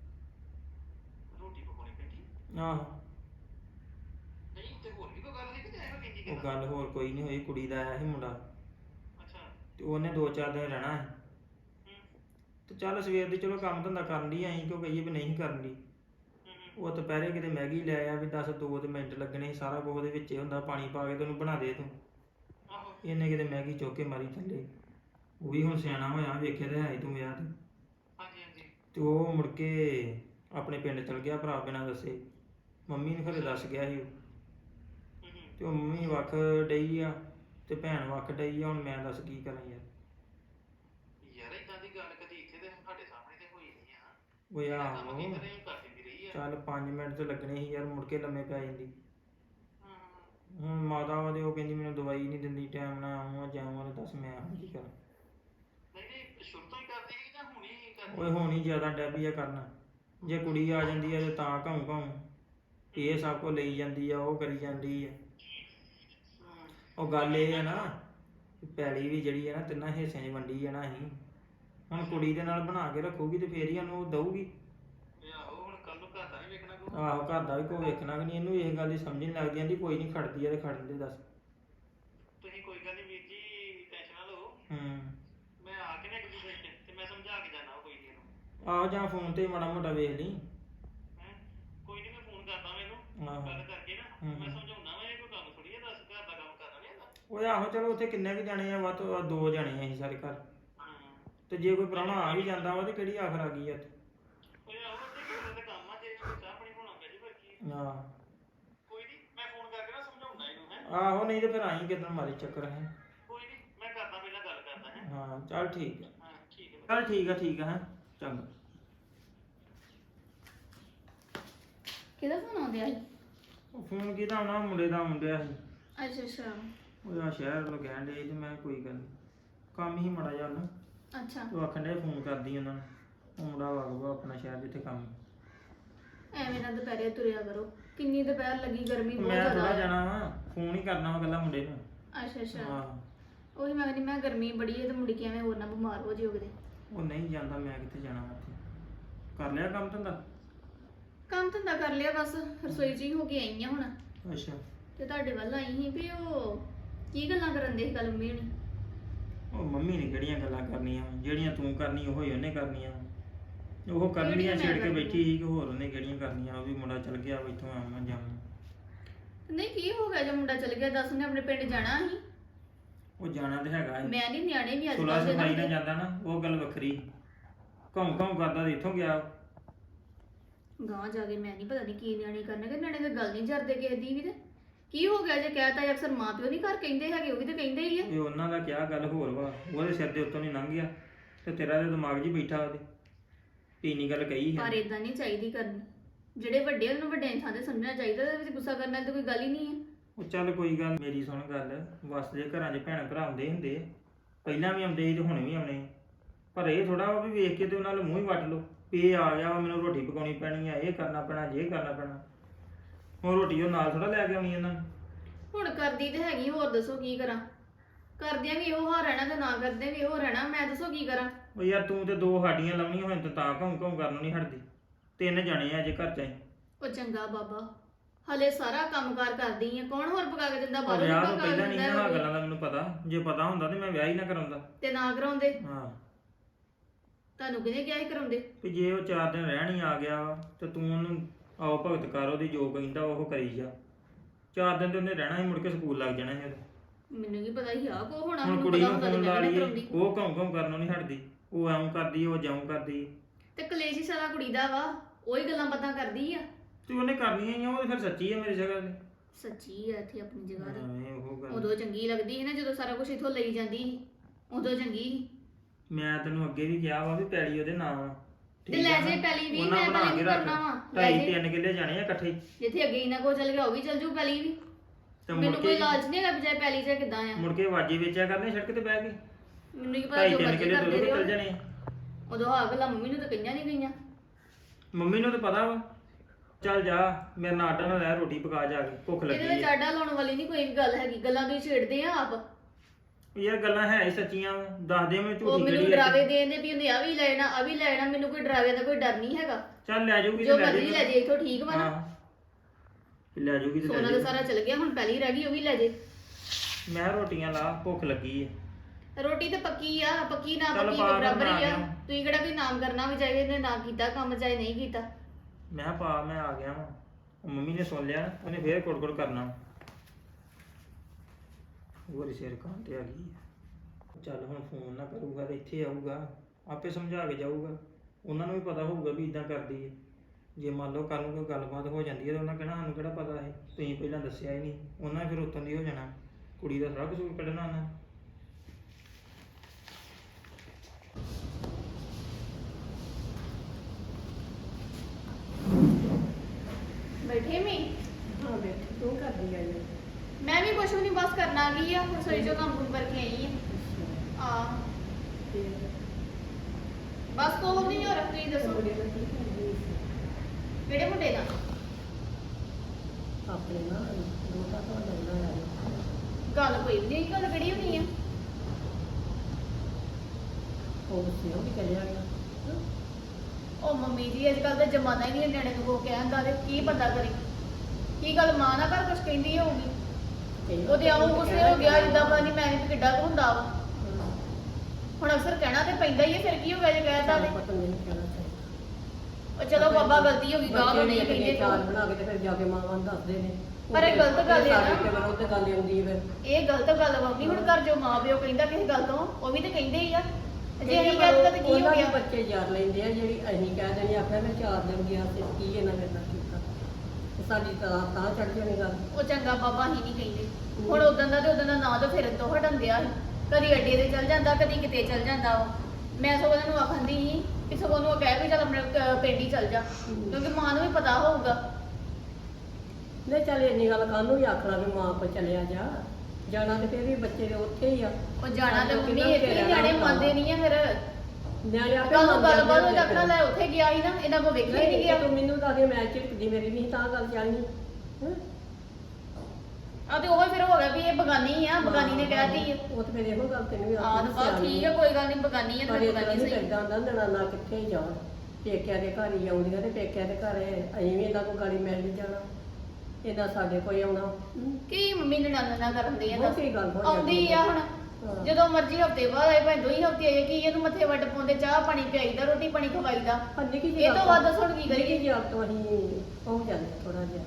ਰੋਟੀ ਪਕਾਉਣੀ ਪੈਂਦੀ ਆਹ ਨਹੀਂ ਤੇ ਹੋਰ ਵੀ ਕੋਈ ਗੱਲ ਨਹੀਂ ਕਿ ਐਵੇਂ ਕਹਿੰਦੀ ਉਹ ਕਿ ਗੱਲ ਹੋਰ ਕੋਈ ਨਹੀਂ ਹੋਈ। ਕੁੜੀ ਦਾ ਆਇਆ ਸੀ ਮੁੰਡਾ ਅੱਛਾ ਤੇ ਉਹਨੇ 2-4 ਦਿਨ ਰਹਿਣਾ ਸੀ ਤੇ ਚੱਲ ਸਵੇਰ ਦੀ ਚਲੋ ਕੰਮ ਧੰਦਾ ਕਰਨ ਦੀ ਅਸੀਂ ਕਿਉਂ ਕਹੀਏ ਵੀ ਨਹੀਂ ਕਰਨ ਦੀ। ਉਹ ਦੁਪਹਿਰੇ ਕਿਤੇ ਮੈਗੀ ਲੈ ਆ ਵੀ 10-2 ਮਿੰਟ ਲੱਗਣੇ ਸਾਰਾ ਕੁਝ ਉਹਦੇ ਵਿੱਚ ਹੀ ਹੁੰਦਾ ਪਾਣੀ ਪਾ ਕੇ ਤੈਨੂੰ ਬਣਾ ਦੇ ਤੂੰ। ਆਹੋ ਇਹਨੇ ਕਿਤੇ ਮੈਗੀ ਚੁੱਕ ਕੇ ਮਾਰੀ ਥੱਲੇ। ਉਹ ਵੀ ਹੁਣ ਸਿਆਣਾ ਹੋਇਆ ਵੇਖਿਆ ਤੇ ਹੈ ਹੀ ਤੂੰ ਵਿਆਹ ਤੇ। ਹਾਂਜੀ ਹਾਂਜੀ ਤੇ ਉਹ ਮੁੜ ਕੇ ਆਪਣੇ ਪਿੰਡ ਚਲ ਗਿਆ ਭਰਾ ਬਿਨਾਂ ਦੱਸੇ। ਮੰਮੀ ਨੂੰ ਘਰੇ ਦੱਸ ਗਿਆ ਸੀ ਉਹ ਤੇ ਉਹ ਮੰਮੀ ਵੱਖ ਡਈ ਆ ਤੇ ਭੈਣ ਵੱਖ ਡਈ ਆ। ਹੁਣ ਮੈਂ ਦੱਸ ਕੀ ਕਰਾਂ ਯਾਰ। ਯਾਰ ਇਦਾਂ ਦੀ ਗੱਲ ਕਦੀ ਇੱਥੇ ਤੇ ਸਾਡੇ ਸਾਹਮਣੇ ਤੇ ਹੋਈ ਨਹੀਂ ਆ ਉਹ ਕੰਮ ਆਹੋ ਕੀ ਕਰੇ ਕਰ ਦਿੰਦੀ ਰਹੀ ਆ ਚੱਲ 5 ਮਿੰਟ ਤੇ ਲੱਗਣੇ ਸੀ ਯਾਰ ਮੁੜ ਕੇ ਲੰਮੇ ਪੈ ਜਾਂਦੀ। ਹਾਂ ਹੁਣ ਮਾਤਾ ਉਹਦੇ ਉਹ ਕਹਿੰਦੀ ਮੈਨੂੰ ਦਵਾਈ ਨਹੀਂ ਦਿੰਦੀ ਟਾਈਮ ਨਾਲ ਆਵਾਂ ਜਾਵਾਂ ਤੇ ਦੱਸ ਮੈਂ ਕੀ ਕਰਾਂ। ਨਹੀਂ ਨਹੀਂ ਸ਼ੁਰੂ ਤੋਂ ਹੀ ਕਰਦੀ ਸੀ ਜਾਂ ਹੁਣੇ ਹੀ ਕਰਦੀ ਓਏ ਹੁਣ ਹੀ ਜ਼ਿਆਦਾ ਡੈਬੀ ਆ ਕਰਨਾ। ਜੇ ਕੁੜੀ ਆ ਜਾਂਦੀ ਆ ਤੇ ਤਾਂ ਘਾਉਂ ਘਾਉਂ ਇਹ ਸਭ ਕੁਝ ਲਈ ਜਾਂਦੀ ਆ ਉਹ ਕਰੀ ਜਾਂਦੀ ਆ। ਉਹ ਗੱਲ ਇਹ ਆ ਨਾ ਪੈਲੀ ਵੀ ਜਿਹੜੀ ਆ ਨਾ 3 ਹਿੱਸਿਆਂ 'ਚ ਵੰਡੀ ਆ ਨਾ ਅਸੀਂ। ਹੁਣ ਕੁੜੀ ਦੇ ਨਾਲ ਬਣਾ ਕੇ ਰੱਖੂਗੀ ਤੇ ਫੇਰ ਹੀ ਉਹਨੂੰ ਉਹ ਦਊਗੀ। ਆਹੋ ਹੁਣ ਕੱਲ ਨੂੰ ਘਰ ਦਾ ਨਹੀਂ ਵੇਖਣਾ ਕੋਈ ਆਹੋ ਘਰ ਦਾ ਵੀ ਕੋਈ ਵੇਖਣਾ ਕਿ ਨਹੀਂ। ਇਹਨੂੰ ਇਹ ਗੱਲ ਦੀ ਸਮਝ ਨਹੀਂ ਲੱਗਦੀ। ਆਂਦੀ ਕੋਈ ਨਹੀਂ ਖੜਦੀ ਆ ਤੇ ਖੜਨ ਦੇ ਦੱਸ। ਤੁਸੀਂ ਕੋਈ ਗੱਲ ਨਹੀਂ ਵੀਰ ਜੀ ਟੈਨਸ਼ਨ ਨਾ ਲਓ ਹੂੰ ਮੈਂ ਆ ਕੇ ਨਾ ਇੱਕ ਦੂਜੇ ਤੇ ਮੈਂ ਸਮਝਾ ਕੇ ਜਾਣਾ ਕੋਈ ਨਹੀਂ ਇਹਨੂੰ ਆਹੋ ਜਾਂ ਫੋਨ ਤੇ ਮਾੜਾ ਮੋਟਾ ਵੇਖ ਲਈ। ਹੈਂ ਕੋਈ ਨਹੀਂ ਮੈਂ ਫੋਨ ਕਰਦਾ ਮੈਨੂੰ ਆਹੋ ਗੱਲ ਕਰਕੇ ਨਾ ਹੂੰ। ਮੈਂ ਸਮਝਾਉਣਾ ਵਾ ਇਹ ਕੋਈ ਕੰਮ ਥੋੜੀ ਹੈ ਦੱਸ ਘਰ ਦਾ ਕੰਮ ਕਰਨਾ ਨਹੀਂ ਹੁੰਦਾ ਓਏ ਆਹੋ ਚਲੋ ਉੱਥੇ ਕਿੰਨੇ ਕੁ ਜਾਣੇ ਆ ਵੱਧ ਤੋਂ ਵੱਧ 2 ਜਾਣੇ ਆ ਅਸੀਂ ਸਾਰੇ ਘਰ। ਹਾਂ ਤੇ ਜੇ ਕੋਈ ਪ੍ਰਾਹੁਣਾ ਆ ਵੀ ਜਾਂਦਾ ਵਾ ਤੇ ਕਿਹੜੀ ਆਖਰ ਆ ਗਈ ਆ ਇੱਥੇ? ਓਏ ਆਹੋ ਤੇ ਕਿਸੇ ਦਾ ਕੰਮ ਆ ਜੇ ਕੋਈ ਚਾਹ ਪਾਣੀ ਬਣਾਉਂਦਾ ਜੀ ਫਿਰ ਕੀ ਹਾਂ ਕੋਈ ਨਹੀਂ ਮੈਂ ਫੋਨ ਕਰਕੇ ਨਾ ਸਮਝਾਉਂਦਾ ਇਹਨੂੰ ਹੈ ਆਹੋ ਨਹੀਂ ਤੇ ਫਿਰ ਆਈ ਕਿਦਾਂ ਮਾਰੀ ਚੱਕਰ ਹੈ। ਕੋਈ ਨਹੀਂ ਮੈਂ ਕਰਦਾ ਪਹਿਲਾਂ ਗੱਲ ਕਰਦਾ ਹੈ ਹਾਂ ਚੱਲ ਠੀਕ ਆ। ਹਾਂ ਠੀਕ ਹੈ ਚੱਲ ਠੀਕ ਆ ਹੈ ਚੰਗਾ। ਕਿਹਦਾ ਫੋਨ ਆਉਂਦਿਆ ਸੀ? ਉਹ ਫੋਨ ਕਿਹਦਾ ਆਉਣਾ ਮੁੰਡੇ ਦਾ ਆਉਂਦਿਆ ਸੀ। ਅੱਛਾ ਅੱਛਾ ਉਹ ਆ ਸ਼ਹਿਰ ਵੱਲੋਂ ਕਹਿਣ ਦੇ ਤੇ ਮੈਂ ਕੋਈ ਗੱਲ ਨੀ। ਕੰਮ ਹੀ ਮੜਾ ਜਾ ਉਹਨੂੰ ਅੱਛਾ ਉਹ ਆਖਣ ਦੇ ਫੋਨ ਕਰਦੀ ਉਹਨਾਂ ਨੂੰ। ਉਹ ਮੁੰਡਾ ਵਗਵਾ ਆਪਣਾ ਸ਼ਹਿਰ ਜਿੱਥੇ ਕੰਮ। ਐਵੇਂ ਨਾ ਦੁਪਹਿਰੇ ਤੁਰਿਆ ਕਰੋ, ਕਿੰਨੀ ਦੁਪਹਿਰ ਲੱਗੀ, ਗਰਮੀ ਬਹੁਤ ਮੈਂ ਜ਼ਿਆਦਾ ਥੋੜਾ ਆ। ਜਾਣਾ ਵਾ ਫੋਨ ਹੀ ਕਰਨਾ ਵਾ ਗੱਲਾਂ ਮੁੰਡੇ ਨੂੰ। ਅੱਛਾ ਅੱਛਾ ਹਾਂ ਉਹੀ ਮੈਂ ਕਹਿੰਦੀ, ਮੈਂ ਗਰਮੀ ਬੜੀ ਹੈ ਤੇ ਮੁੜ ਕੇ ਐਵੇਂ ਹੋਰ ਨਾ ਬਿਮਾਰ ਹੋ ਜਿਓ ਕਿਤੇ। ਉਹ ਨਹੀਂ ਜਾਂਦਾ, ਮੈਂ ਕਿੱਥੇ ਜਾਣਾ ਵਾ ਉੱਥੇ। ਕਰ ਲਿਆ ਕੰਮ ਧੰਦਾ? ਕੰਮ ਧੰਦਾ ਕਰ ਲਿਆ, ਬਸ ਰਸੋਈ 'ਚ ਹੀ ਹੋ ਕੇ ਆਈ ਆ ਹੁਣ। ਅੱਛਾ ਤੇ ਤੁਹਾਡੇ ਵੱਲ ਆਈ ਸੀ ਵੀ ਉਹ ਕੀ ਗੱਲਾਂ ਕਰਨ ਦੇ ਸੀ ਕੱਲ ਮੰਮੀ ਹੋਣੀ? ਉਹ ਮੰਮੀ ਨੇ ਕਿਹੜੀਆਂ ਗੱਲਾਂ ਕਰਨੀਆਂ ਵਾਂ? ਜਿਹੜੀਆਂ ਤੂੰ ਕਰਨੀ ਉਹ ਹੀ ਉਹਨੇ ਕਰਨੀਆਂ ਵਾਂ। ਉਹ ਕਰਨ ਦੀਆਂ ਕਿਹੜੀਆਂ ਛੇੜ ਮੈਂ ਕੇ ਬੈਠੀ ਕਰਨੀਆਂ? ਸੀ ਕਿ ਹੋਰ ਉਹਨੇ ਕਿਹੜੀਆਂ ਕਰਨੀਆਂ। ਉਹ ਵੀ ਮੁੰਡਾ ਚਲ ਗਿਆ ਵਾ ਇੱਥੋਂ ਆਵਾਂ ਜਾਵਾਂ। ਨਹੀਂ ਕੀ ਹੋ ਗਿਆ ਜੇ ਮੁੰਡਾ ਚਲ ਗਿਆ? ਦੱਸ, ਉਹਨੇ ਆਪਣੇ ਪਿੰਡ ਜਾਣਾ ਸੀ। ਉਹ ਜਾਣਾ ਤੇ ਹੈਗਾ ਹੈ। ਮੈਂ ਨਹੀਂ, ਨਿਆਣੇ ਵੀ ਅੱਜ ਸੁਲਾ ਕੱਲ੍ਹ ਦੇ ਸਫਾਈ ਨਾਲ ਨਾ। ਜਾਂਦਾ ਨਾ ਉਹ ਗੱਲ ਵੱਖਰੀ। ਘੁੰਮ ਘੁੰਮ ਕਰਦਾ ਤੇ ਇੱਥੋਂ ਗਿਆ। ਗਾਂ ਜਾ ਕੇ ਮੈਂ ਨਹੀਂ ਪਤਾ ਨਹੀਂ ਕੀ ਨਿਆਣੇ ਕਰਨਗੇ। ਨਿਆਣੇ ਤੇ ਗੱਲ ਨਹੀਂ ਜਰਦੇ ਕਿਸੇ ਦੀ ਵੀ। ਤੇ ਕੀ ਹੋ ਗਿਆ ਜੇ ਕਹਿਤਾ? ਅਕਸਰ ਮਾਂ ਪਿਓ ਨਹੀਂ ਘਰ ਕਹਿੰਦੇ ਹੈਗੇ, ਉਹ ਵੀ ਤੇ ਕਹਿੰਦੇ ਹੀ ਆ। ਇਹ ਉਹਨਾਂ ਦਾ ਕਿਹਾ ਗੱਲ ਹੋਰ ਵਾ। ਉਹਦੇ ਸਿਰ ਦੇ ਉੱਤੋਂ ਨਹੀਂ ਲੰਘ ਗਿਆ ਤੇ ਤੇਰਾ ਦੇ ਦਿਮਾਗ 'ਚ ਹੀ ਬੈਠਾ ਉਹਦੇ ਵੀ ਇੰਨੀ ਗੱਲ ਕਹੀ ਪਰ ਹੈ। ਇਦਾਂ ਨਹੀਂ ਚਾਹੀਦੀ ਕਰਨੀ। ਜਿਹੜੇ ਵੱਡੇ ਉਹਨੂੰ ਵੱਡਿਆਂ ਦੀ ਥਾਂ ਤੇ ਸਮਝਣਾ ਚਾਹੀਦਾ। ਉਹਦੇ ਵਿੱਚ ਗੁੱਸਾ ਕਰਨ ਵਾਲੀ ਤਾਂ ਕੋਈ ਗੱਲ ਹੀ ਨਹੀਂ ਹੈ। ਉਹ ਚੱਲ ਕੋਈ ਗੱਲ, ਮੇਰੀ ਸੁਣ ਗੱਲ। ਵਸਦੇ ਘਰਾਂ 'ਚ ਭੈਣ ਭਰਾ ਆਉਂਦੇ ਹੁੰਦੇ ਆ। ਪਹਿਲਾਂ ਵੀ ਆਉਂਦੇ ਸੀ ਤੇ ਹੁਣ ਵੀ ਆਉਣੇ ਆ। ਪਰ ਇਹ ਥੋੜਾ ਵਾ ਵੀ ਵੇਖ ਕੇ ਤੇ ਉਹਨਾਂ ਨੂੰ ਮੂੰਹ ਹੀ ਵੱਟ ਲਓ ਵੀ ਇਹ ਆ ਗਿਆ ਵਾ, ਮੈਨੂੰ ਰੋਟੀ ਪਕਾਉਣੀ ਪੈਣੀ ਆ, ਇਹ ਕਰਨਾ ਪੈਣਾ, ਜੇ ਕਰਨਾ ਪੈਣਾ। ਹੁਣ ਰੋਟੀ ਉਹ ਨਾਲ ਥੋੜਾ ਲੈ ਕੇ ਆਉਣੀ ਇਹਨਾਂ ਨੂੰ। ਹੁਣ ਕਰਦੀ ਤੇ ਹੈਗੀ, ਹੋਰ ਦੱਸੋ ਕੀ ਕਰਾਂ? ਕਰਦਿਆਂ ਵੀ ਇਹੋ ਹਾਲ ਰਹਿਣਾ ਤੇ ਨਾ ਕਰਦੇ ਵੀ ਇਹੋ ਰਹਿਣਾ। ਮੈਂ ਦੱਸੋ ਕੀ ਕਰਾਂ? ਉਹ ਯਾਰ ਤੂੰ ਤੇ ਦੋ ਸਾਡੀਆਂ ਲਾਉਣੀਆਂ ਹੋਣ ਤੇ ਤਾਂ ਘੁੰਮ ਘੁੰਮ ਕਰਨ ਨੂੰ ਨਹੀਂ ਹਟਦੀ। 3 ਜਣੇ ਆ ਜੇ ਘਰ 'ਚ ਅਸੀਂ। ਉਹ ਚੰਗਾ ਬਾਬਾ, ਹਲੇ ਸਾਰਾ ਕੰਮਕਾਰ ਕਰਦੀ ਆ। ਕੌਣ ਹੋਰ ਪਕਾ ਕੇ ਦਿੰਦਾ? ਉਹ ਬਾਹਰੋਂ ਵਿਆਹ ਪਕਾ ਤੋਂ ਕੇ ਪਹਿਲਾਂ ਨਹੀਂ ਦਿੰਦਾ ਨਾ ਹੈ ਗੱਲਾਂ ਦਾ ਮੈਨੂੰ ਪਤਾ। ਜੇ ਪਤਾ ਹੁੰਦਾ ਤੇ ਮੈਂ ਵਿਆਹ ਹੀ ਨਾ ਕਰਾਉਂਦਾ। ਤੇ ਨਾ ਕਰਾਉਂਦੇ। ਹਾਂ ਤੁਹਾਨੂੰ ਕਿਹਨੇ ਕਿਹਾ ਸੀ ਕਰਾਉਂਦੇ? ਵੀ ਜੇ ਉਹ 4 ਦਿਨ ਰਹਿਣ ਹੀ ਆ ਗਿਆ ਵਾ ਤੇ ਤੂੰ ਉਹਨੂੰ ਆਓ ਭਗਤ ਕਰ, ਉਹਦੀ ਜੋ ਕਹਿੰਦਾ ਉਹ ਕਰੀ ਜਾ। 4 ਦਿਨ ਤੇ ਉਹਨੇ ਰਹਿਣਾ ਹੀ, ਮੁੜ ਕੇ ਸਕੂਲ ਲੱਗ ਜਾਣਾ ਸੀ ਉਹਦੇ। ਮੈਨੂੰ ਕੀ ਪਤਾ ਸੀ ਆ ਕੋ ਹੋਣਾ। ਹੁਣ ਮੈਨੂੰ ਕੁੜੀ ਪਤਾ ਨੂੰ ਹੁੰਦਾ ਤੇ ਫੋਨ ਲਾ ਮੈਂ ਨਾ ਲਈਏ, ਕਰਾਉਂਦੀ। ਉਹ ਘੁੰਮ ਘੁੰਮ ਕਰਨੋਂ ਨਹੀਂ ਹਟਦੀ। ਉਹ ਐਂ ਕਰਦੀ, ਉਹ ਜਿਉਂ ਕਰਦੀ। ਤੇ ਕਲੇਸ਼ ਹੀ ਸਾਰਾ ਕੁੜੀ ਦਾ ਵਾ। ਉਹੀ ਗੱਲਾਂ ਪਤਾ ਕਰਦੀ ਆ। ਤੇ ਉਹਨੇ ਕਰਨੀਆਂ ਹੀ ਆ। ਉਹ ਤੇ ਫਿਰ ਸੱਚੀ ਆ ਮੇਰੀ ਜਗ੍ਹਾ ਤੇ। ਸੱਚੀ ਆ ਇੱਥੇ ਆਪਣੀ ਜਗ੍ਹਾ ਤੇ। ਐਵੇਂ ਉਹ ਗੱਲ। ਉਦੋਂ ਚੰਗੀ ਲੱਗਦੀ ਸੀ ਨਾ ਜਦੋਂ ਸਾਰਾ ਕੁਝ ਇਥੋਂ ਲਈ ਜਾਂਦੀ ਸੀ। ਉਦੋਂ ਚੰਗੀ ਸੀ। ਮੈਂ ਤੈਨੂੰ ਅੱਗੇ ਵੀ ਕਿਹਾ ਵਾ ਵੀ ਪੈਲੀ ਉਹਦੇ ਨਾਂ ਵਾ। ਤੇ ਲੈ ਜੇ ਪੈਲੀ ਵੀ, ਮੈਂ ਬਣਾ ਪੈਲੀ ਕੇ ਨੂੰ ਰੱਖ। ਕਰਨਾ ਵਾ। ਲੈ 2.5-3 ਜੇ ਕਿੱਲੇ ਜਾਣੇ ਆ ਇਕੱਠੇ। ਜਿੱਥੇ ਅੱਗੇ ਇਹਨਾਂ ਕੋ ਚੱਲ ਗਿਆ ਉਹ ਵੀ ਚੱਲ ਜੂ ਪੈਲੀ ਵੀ। ਤੇ ਮੁੜ ਮੈਨੂੰ ਕੋਈ ਕੇ ਲਾਲਚ ਨਹੀਂ ਹੈਗਾ ਬਜਾਏ ਪੈਲੀ ਚ ਕਿਦਾਂ ਆ। ਮੁੜ ਕੇ ਵਾਜੇ ਵੇਚਿਆ ਕਰਨੇ ਸੜਕ ਤੇ ਬਹਿ ਕੇ। ਮੈਨੂੰ ਕੀ ਪਤਾ ਜੋ 2.5-3 ਮਰਜ਼ੀ ਕਿੱਲੇ ਕਰਦੇ ਦੁੱਧ ਚੱਲ ਰਹੋ। ਜਾਣੇ ਆ। ਉਦੋਂ ਆ ਗੱਲਾਂ ਮੰਮੀ ਨੂੰ ਤਾਂ ਕਈਆਂ ਨਹੀਂ ਗਈਆਂ। ਮੰਮੀ ਨੂੰ ਤਾਂ ਪਤਾ ਵਾ। ਚੱਲ ਜਾ ਮੇਰੇ ਨਾਲ ਆਟਾ ਨਾਲ ਲੈ, ਰੋਟੀ ਪਕਾ ਜਾ ਕੇ, ਭੁੱਖ ਇਹਦੇ ਲੱਗੀ ਵਿੱਚ ਆ। ਆਡਾ ਲਾਉਣ ਵਾਲੀ ਨਹੀਂ ਕੋਈ ਵੀ ਗੱਲ ਹੈਗੀ। ਗੱਲਾਂ ਤੁਸੀਂ ਛੇੜਦੇ ਆ ਆਪ। ਯਾਰ ਗੱਲਾਂ ਹੈ ਹੀ ਸੱਚੀਆਂ ਵਾ। ਦੱਸਦੇ ਮੈਂ ਉਹ ਝੂਠੀ ਮੈਨੂੰ ਕਿਹੜੀ ਆ। ਡਰਾਵੇ ਦੇਂਦੇ ਵੀ ਉਹਨੇ ਆ ਵੀ ਲੈਣਾ ਆ ਵੀ ਲੈਣਾ। ਮੈਨੂੰ ਕੋਈ ਡਰਾਵੇ ਦਾ ਕੋਈ ਡਰ ਨਹੀਂ ਹੈਗਾ। ਚੱਲ ਲੈ ਜਾਊਗੀ ਜੋ ਤੇ ਲੈ ਮਰਜ਼ੀ ਲੈ ਜਾਊਗੀ। ਜੇ ਇਥੋਂ ਠੀਕ ਵਾ ਨਾ। ਹਾਂ ਲੈ ਜਾਊਗੀ ਤੇ ਲੈ ਸੋਨਾ ਤਾਂ ਜਾਊਗੀ। ਸਾਰਾ ਚਲ ਗਿਆ, ਹੁਣ ਪਹਿਲੀ ਰਹਿ ਗਈ ਉਹ ਵੀ ਲੈ ਜੇ। ਮੈਂ ਕਿਹਾ ਰੋਟੀਆਂ ਲਾ, ਭੁੱਖ ਲੱਗੀ ਆ। ਰੋਟੀ ਤੇ ਪੱਕੀ ਆ, ਪੱਕੀ ਨਾ ਚੱਲ ਪੱਕੀ ਪਾ ਦੇ ਕੇ ਬਰਾਬਰ ਹੀ ਬਣਾ ਆ। ਲਿਆਓ। ਤੁਸੀਂ ਕਿਹੜਾ ਕੋਈ ਨਾਮ ਕਰਨਾ ਵੀ ਚਾਹੀਏ ਇਹਨੇ ਨਾ ਕੀਤਾ ਕੰਮ ਚਾਹੇ ਨਹੀਂ ਕੀਤਾ। ਮੈਂ ਕਿਹਾ ਪਾ, ਮੈਂ ਆ ਗਿਆ ਵਾਂ। ਉਹ ਮੰਮੀ ਨੇ ਸੁਣ ਲਿਆ, ਉਹਨੇ ਫੇਰ ਕੁੜ ਕਰਨਾ। ਉਹਦੇ ਸਿਰ ਕਾਂ ਤੇ ਆ ਗਈ ਆ। ਚੱਲ ਹੁਣ ਫੋਨ ਨਾ ਕਰੂਗਾ ਤੇ ਇੱਥੇ ਆਊਗਾ, ਆਪੇ ਸਮਝਾ ਕੇ ਜਾਊਗਾ। ਉਹਨਾਂ ਨੂੰ ਵੀ ਪਤਾ ਹੋਊਗਾ ਵੀ ਇਦਾਂ ਕਰਦੀ ਹੈ। ਜੇ ਮੰਨ ਲਓ ਕੱਲ ਨੂੰ ਕੋਈ ਗੱਲਬਾਤ ਹੋ ਜਾਂਦੀ ਹੈ ਤਾਂ ਉਹਨਾਂ ਕਹਿਣਾ ਸਾਨੂੰ ਕਿਹੜਾ ਪਤਾ ਹੈ, ਤੁਸੀਂ ਪਹਿਲਾਂ ਦੱਸਿਆ ਹੀ ਨਹੀਂ। ਉਹਨਾਂ ਫਿਰ ਉੱਤੋਂ ਦੀ ਹੋ ਜਾਣਾ, ਕੁੜੀ ਦਾ ਸਾਰਾ ਕਸੂਰ ਕੱਢਣਾ ਉਹਨਾਂ। ਬੈਠੇ ਮੈਂ ਹਾਂ ਬੇਟੀ ਤੂੰ ਕਰਦੀ ਆਈ ਹੈ। ਮੈਂ ਵੀ ਕੁਛ ਨਹੀਂ, ਬਸ ਕਰਨਾ ਕੀ ਆ। ਰਸੋਈ ਚੋਂ ਕੰਮ ਕੁਮ ਕਰਕੇ ਆਈ ਆ। ਤੇ ਬਸ ਕੋਲ ਨਹੀਂ ਹੋ ਰੱਖੀ। ਦੱਸੋ ਮੁੰਡੇ ਦਾ ਕੀ ਕਰਦੀ ਸੀ? ਕਿਹੜੇ ਮੁੰਡੇ ਦਾ? ਆਪਣੇ ਨਾਲ ਦੋਤਾ ਤੋਂ ਲੱਗਣਾ ਹੈ। ਗੱਲ ਕੋਈ ਨਹੀਂ। ਗੱਲ ਕਿਹੜੀ ਹੋਣੀ ਆ? ਉਹ ਸੀ ਉਹ ਵੀ ਕਰਿਆ ਗਿਆ। ਉਹ ਮੰਮੀ ਜੀ ਅੱਜ ਕੱਲ ਦਾ ਜ਼ਮਾਨਾ ਹੀ ਨਹੀਂ ਨਿਆਣੇ ਨੂੰ ਕੋ ਕਹਿੰਦਾ ਤੇ ਕੀ ਬੰਦਾ ਕਰੇ। ਕੀ ਗੱਲ ਮਾਂ ਨਾ ਘਰ ਕੁਛ ਕਹਿੰਦੀ ਹੋਊਗੀ। ਉਹਦੇ ਆਉਂ ਗੁੱਸੇ ਹੋ ਗਿਆ ਜਿੱਦਾਂ ਪਤਾ ਨਹੀਂ ਮੈਂ ਕਿੱਡਾ ਕੁ ਹੁੰਦਾ ਵਾ। ਹੁਣ ਅਕਸਰ ਕਹਿਣਾ ਤੇ ਪੈਂਦਾ ਹੀ ਹੈ। ਫਿਰ ਕੀ ਹੋ ਗਿਆ ਜੇ ਕਹਿਤਾ ਤੇ? ਪਤਾ ਨਹੀਂ ਕਹਿਣਾ ਚਾਹੀਦਾ। ਉਹ ਚਲੋ ਬਾਬਾ ਗਲਤੀ ਹੋ ਗਈ, ਗਾਹ ਤੋਂ ਨਹੀਂ ਕਹਿੰਦੇ ਚਾਰ ਬਣਾ ਕੇ ਤੇ ਫਿਰ ਜਾ ਕੇ ਮਾਵਾਂ ਨੂੰ ਦੱਸਦੇ ਨੇ। ਪਰ ਇਹ ਗਲਤ ਗੱਲ ਹੈ ਨਾ। ਤੇ ਵਿਰੋਧ ਗੱਲ ਆਉਂਦੀ ਹੈ ਫਿਰ। ਇਹ ਗਲਤ ਗੱਲ ਵਾ। ਨਹੀਂ ਹੁਣ ਘਰ ਜੋ ਮਾਂ ਪਿਓ ਕਹਿੰਦਾ ਕਿਸੇ ਗੱਲ ਤੋਂ ਉਹ ਵੀ ਤੇ ਕਹਿੰਦੇ ਹੀ ਆ। ਜੇ ਅਸੀਂ ਕਹਿ ਦਿੱਤਾ ਤਾਂ ਕੀ ਹੋ ਉਹਨਾਂ ਦੇ ਗਿਆ? ਬੱਚੇ ਯਾਰ ਲੈਂਦੇ ਆ, ਜਿਹੜੀ ਅਸੀਂ ਕਹਿ ਦਿੰਦੇ ਆਖਿਆ ਮੈਂ 4 ਦਿਨ ਗਿਆ ਤੇ ਕੀ ਇਹਨਾਂ ਮੇਰੇ ਨਾਲ ਕੀਤਾ ਤੇ ਸਾਡੀ ਤਾਂ ਚੜ ਜਾਣੀ ਗੱਲ। ਉਹ ਚੰਗਾ ਬਾਬਾ ਹੀ ਨਹੀਂ ਕਹਿੰਦੇ। ਹੁਣ ਉਦੋਂ ਦਾ ਤੇ ਉਦੋਂ ਦਾ ਨਾਂ ਤੋਂ ਫਿਰਨ ਤੋਂ ਹਟਣ ਦਿਆ ਸੀ। ਕਦੀ ਅੱਡੇ ਤੇ ਚੱਲ ਜਾਂਦਾ, ਕਦੀ ਕਿਤੇ ਚੱਲ ਜਾਂਦਾ ਵਾ। ਮੈਂ ਸਗੋਂ ਉਹਨੂੰ ਆਖੰਦੀ ਸੀ ਕਿ ਸਗੋਂ ਉਹਨੂੰ ਕਹਿ ਵੀ ਚੱਲ ਆਪਣੇ ਪਿੰਡ ਹੀ ਚੱਲ ਜਾ, ਕਿਉਂਕਿ ਮਾਂ ਨੂੰ ਵੀ ਪਤਾ ਹੋਊਗਾ। ਨਹੀਂ ਚੱਲ ਇੰਨੀ ਗੱਲ ਕਾਹਨੂੰ ਵੀ ਆਖਣਾ ਵੀ ਮਾਂ ਕੋਲ ਚਲਿਆ ਜਾ, ਜਾਣਾ ਤੇ ਫਿਰ ਵੀ ਬੱਚੇ ਦੇ ਉੱਥੇ ਹੀ ਆ। ਉਹ ਜਾਣਾ ਤੇ ਸਾਨੂੰ ਮੰਮੀ ਕਿੰਨਾ ਇੱਥੇ ਹੀ ਚਿਰ ਨਿਆਣੇ ਰਹਿਣਾ ਮੰਨਦੇ ਨਹੀਂ ਆ ਫਿਰ। ਨਿਆਣੇ ਆਪੇ ਕੱਲ ਨੂੰ ਮੰਨ ਜਾਂਦੇ ਗੱਲਬਾਤ ਹੋ ਆ ਜਾਣਾ ਲੈ ਉੱਥੇ ਗਿਆ ਸੀ ਨਾ, ਇਹਨਾਂ ਕੋ ਵੇਖਿਆ ਹੀ ਨਹੀਂ ਗਿਆ। ਤੂੰ ਮੈਨੂੰ ਦੱਸ ਦੇ, ਮੈਂ ਝਿੜਕਦੀ ਮੇਰੀ ਨਹੀਂ ਤਾਂ ਗੱਲ ਚੱਲਣੀ। ਆ ਤੇ ਉਹ ਫਿਰ ਹੋ ਗਿਆ ਵੀ ਇਹ ਬਗਾਨੀ ਆ, ਬਗਾਨੀ ਨੇ ਕਹਿਤੀ ਆ। ਉਹ ਤੇ ਫਿਰ ਇਹੋ ਗੱਲ ਤੈਨੂੰ ਵੀ ਆਹ ਤਾਂ ਬਸ ਠੀਕ ਆ, ਕੋਈ ਗੱਲ ਨਹੀਂ, ਬਗਾਨੀ ਆ ਤੇ ਪਰ ਫਿਰ ਇਹ ਤਰ੍ਹਾਂ ਬਗਾਨੀ ਨਹੀਂ ਸਹੀ। ਕਰਦਾ ਹੁੰਦਾ, ਨਣਾਨਾ ਕਿੱਥੇ ਹੀ ਜਾਣ, ਪੇਕਿਆਂ ਦੇ ਘਰ ਹੀ ਆਉਂਦੀਆਂ ਤੇ ਪੇਕਿਆਂ ਦੇ ਘਰ ਅਸੀਂ ਵੀ ਇਹਨਾਂ ਕੋਲ ਗਾਲੀ ਮਿਲ ਨਹੀਂ ਜਾਣਾ, ਇਹਦਾ ਸਾਡੇ ਕੋਈ ਆਉਣਾ। ਕੀ ਮੰਮੀ ਨੇ ਨਾ ਕਰਦੇ ਆ ਦੱਸ। ਬਹੁਤੀ ਗੱਲ ਹੋ ਆਉਂਦੀ ਜਾਂਦੀ ਆ ਹੁਣ ਹਾਂ। ਜਦੋਂ ਮਰਜ਼ੀ ਹਫਤੇ ਬਾਅਦ ਆਏ ਭਾਵੇਂ 2 ਹੀ ਹਫਤੇ ਆਏ, ਕੀ ਇਹਨੂੰ ਮੱਥੇ ਵੱਟ ਪਾਉਂਦੇ, ਚਾਹ ਪਾਣੀ ਪਿਆਈਦਾ, ਰੋਟੀ ਪਾਣੀ ਖਵਾਈਦਾ। ਨਿੱਕੀ ਇਹ ਤੋਂ ਵੱਧ ਦੱਸੋ ਹੁਣ ਕੀ ਕਰੀਏ? ਜੀ ਆਪ ਤੋਂ ਅਸੀਂ ਪਹੁੰਚ ਜਾਂਦੇ ਥੋੜਾ ਜਿਹਾ।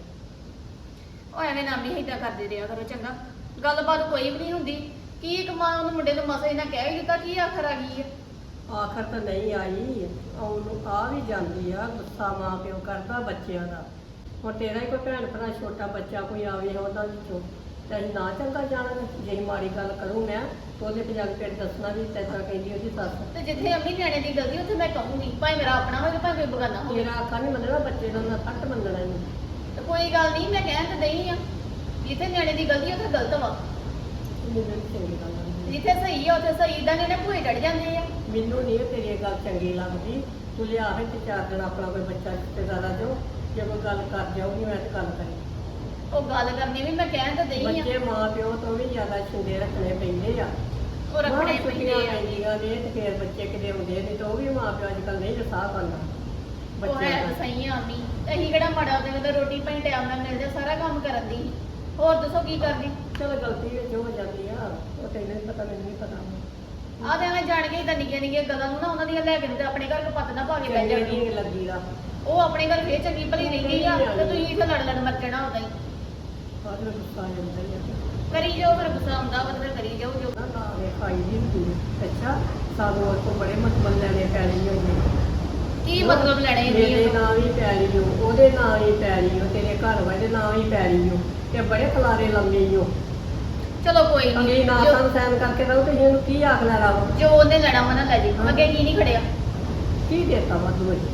ਉਹ ਐਵੇਂ ਨਾਮੀ ਏਦਾਂ ਕਰਦੇ ਰਿਹਾ ਕਰੋ ਚੰਗਾ। ਗੱਲਬਾਤ ਕੋਈ ਵੀ ਨਹੀਂ ਹੁੰਦੀ। ਕੀ ਇੱਕ ਮਾਂ ਉਹਨੂੰ ਮੁੰਡੇ ਨੂੰ ਮਸਾ ਇਹਨਾਂ ਕਹਿ ਹੀ ਦਿੱਤਾ, ਕੀ ਆਖਰ ਆ ਗਈ ਹੈ? ਆਖਰ ਤਾਂ ਨਹੀਂ ਆਈ, ਉਹਨੂੰ ਆ ਵੀ ਜਾਂਦੀ ਆ, ਗੁੱਸਾ ਮਾਂ ਪਿਓ ਕਰਦਾ ਬੱਚਿਆਂ ਦਾ। ਹੁਣ ਤੇਰਾ ਹੀ ਕੋਈ ਭੈਣ ਭਰਾ ਛੋਟਾ ਬੱਚਾ ਕੋਈ ਆਵੇ ਉਹਨਾਂ ਵਿੱਚੋਂ ਤੇ ਅਸੀਂ ਨਾ ਚੰਗਾ ਜਾਣਾਂਗੇ। ਜੇ ਮਾੜੀ ਗੱਲ ਕਰੂੰ ਮੈਂ ਤਾਂ ਉਹਦੇ ਪੰਜਾਬੀ ਪਿੰਡ ਦੱਸਣਾ ਵੀ ਤੈਨੂੰ ਕਹਿੰਦੀ ਉਹਦੀ ਸੱਸ। ਤੇ ਜਿੱਥੇ ਅੰਮੀ ਨਿਆਣੇ ਦੀ ਗਲਤੀ ਉੱਥੇ ਮੈਂ ਕਹੂੰਗੀ, ਭਾਵੇਂ ਮੇਰਾ ਆਪਣਾ ਹੋਵੇ ਭਾਵੇਂ ਕੋਈ ਬਗਾਨਾ ਹੋਵੇ। ਤੇਰਾ ਆਖਾ ਨਹੀਂ ਮੰਨਣਾ, ਬੱਚੇ ਦਾ ਨਾ ਫੱਟ ਮੰਨਣਾ ਇਹਨੂੰ। ਤੇ ਕੋਈ ਗੱਲ ਨਹੀਂ, ਮੈਂ ਕਹਿਣ ਤੇ ਨਹੀਂ ਆ। ਜਿੱਥੇ ਨਿਆਣੇ ਦੀ ਗਲਤੀ ਉੱਥੇ ਗਲਤ ਵਾ, ਮੈਨੂੰ ਨੀ ਚੰਗੀ ਗੱਲ ਲੱਗਦੀ। ਜਿੱਥੇ ਸਹੀ ਆ ਉੱਥੇ ਸਹੀ। ਇਦਾਂ ਨੇ ਭੂਏ ਚੜ ਜਾਂਦੇ ਆ। ਮੈਨੂੰ ਨਹੀਂ ਤੇਰੀ ਇਹ ਗੱਲ ਚੰਗੀ ਲੱਗਦੀ। ਤੂੰ ਲਿਆ ਹੈ ਤੇ 4 ਦਿਨ ਆਪਣਾ ਕੋਈ ਬੱਚਾ ਰਿਸ਼ਤੇਦਾਰ ਆ ਜਾਓ, ਜੇ ਕੋਈ ਗੱਲ ਕਰ ਜਾਊਗੀ ਮੈਂ ਤੇ ਗੱਲ ਕਰੀ। ਉਹ ਗੱਲ ਕਰਨੀ ਵੀ ਮੈਂ ਕਹਿਣ ਤੇ ਨਹੀਂ ਆ। ਬੱਚੇ ਮਾਂ ਪਿਓ ਤੋਂ ਵੀ ਜ਼ਿਆਦਾ ਛਿੰਦੇ ਰੱਖਣੇ ਪੈਂਦੇ ਆ। ਉਹ ਰੱਖਣੇ ਬਾਹਰ ਪੈਂਦੇ ਛੁੱਟੀਆਂ ਆ। ਪੈਂਦੀਆਂ ਨੇ ਤੇ ਫਿਰ ਬੱਚੇ ਕਿਤੇ ਆਉਂਦੇ ਨਹੀਂ ਤਾਂ ਉਹ ਵੀ ਮਾਂ ਪਿਓ ਅੱਜ ਕੱਲ੍ਹ ਨਹੀਂ ਰਸਾਹ ਪਾਉਂਦਾ ਉਹ ਬੱਚਿਆਂ ਹੈ ਦਾ। ਤਾਂ ਸਹੀ ਆ ਅੰਮੀ। ਅਸੀਂ ਕਿਹੜਾ ਮਾੜਾ ਉਹਦੇ ਨਾਲ ਰੋਟੀ ਪਾਣੀ ਟਾਈਮ ਨਾਲ ਮਿਲ ਜਾ, ਸਾਰਾ ਕੰਮ ਕਰਨ ਦੀ। ਹੋਰ ਦੱਸੋ ਕੀ ਕਰਦੀ? ਚਲੋ ਗਲਤੀ ਵਿੱਚ ਹੋ ਜਾਂਦੀ ਆ, ਉਹ ਤੈਨੂੰ ਨਹੀਂ ਪਤਾ, ਮੈਨੂੰ ਨਹੀਂ ਪਤਾ। ਆਹ ਤੇ ਐਵੇਂ ਜਾਣ ਕੇ ਇਦਾਂ ਨਿੱਕੀਆਂ ਨਿੱਕੀਆਂ ਗੱਲਾਂ ਨੂੰ ਨਾ ਉਹਨਾਂ ਦੀਆਂ ਲੈ ਕੇ ਤੇ ਆਪਣੇ ਘਰ ਕਪੱਤ ਨਾ ਪਾ ਕੇ ਬਹਿ ਚੰਗੇ ਜਾਂਦੀ। ਨਹੀਂ ਲੱਗੀ ਦਾ ਉਹ ਆਪਣੇ ਘਰ ਫੇਰ ਚੰਗੀ ਭਲੀ ਰਹਿੰਦੀ ਆ ਤੇ ਤੁਸੀਂ ਇੱਥੇ ਲੜ ਲੜ ਮਰ ਜਾਣਾ ਉਦਾਂ ਹੀ। ਬਾਅਦ ਵਿੱਚ ਗੁੱਸਾ ਆ ਜਾਂਦਾ ਹੀ ਆ। ਕਰੀ ਜਾਓ, ਫਿਰ ਗੁੱਸਾ ਆਉਂਦਾ ਵਾ ਤੇ ਫਿਰ ਕਰੀ ਜਾਓ ਜੋ। ਨਾ ਨਾ ਇਹ ਖਾਈ ਦੀ ਹੁੰਦੀ। ਅੱਛਾ ਸਾਨੂੰ ਉਹ ਤੋਂ ਬੜੇ ਮਤਲਬ ਲੈਣੇ ਪੈਣੇ ਹੋਏ। ਕੀ ਮਤਲਬ ਲੈਣੇ ਮੇਰੇ ਇਹਦੀ? ਨਾਂ ਵੀ ਪੈਰੀ ਹੋ, ਉਹਦੇ ਨਾਂ ਵੀ ਪੈਰੀ ਹੋ, ਤੇਰੇ ਘਰ ਵਾਲੇ ਨਾਂ ਵੀ ਪੈਰੀ ਹੋ ਤੇ ਬੜੇ ਖਲਾਰੇ ਲੰਮੇ ਹੋ। ਚਲੋ ਕੋਈ ਅਗਲੀ ਨਹੀਂ, ਨਾ ਸਾਨੂੰ ਸੈਨ ਕਰਕੇ ਦਊ ਤੇ ਇਹਨੂੰ ਕੀ ਆਖ ਲੈਣਾ ਵਾ? ਜੋ ਉਹਨੇ ਲੈਣਾ ਵਾ ਨਾ ਲੈ ਜੀ। ਅੱਗੇ ਕੀ ਨਹੀਂ ਖੜਿਆ? ਕੀ ਦੇਤਾ ਵਾਧੂ ਇਹ?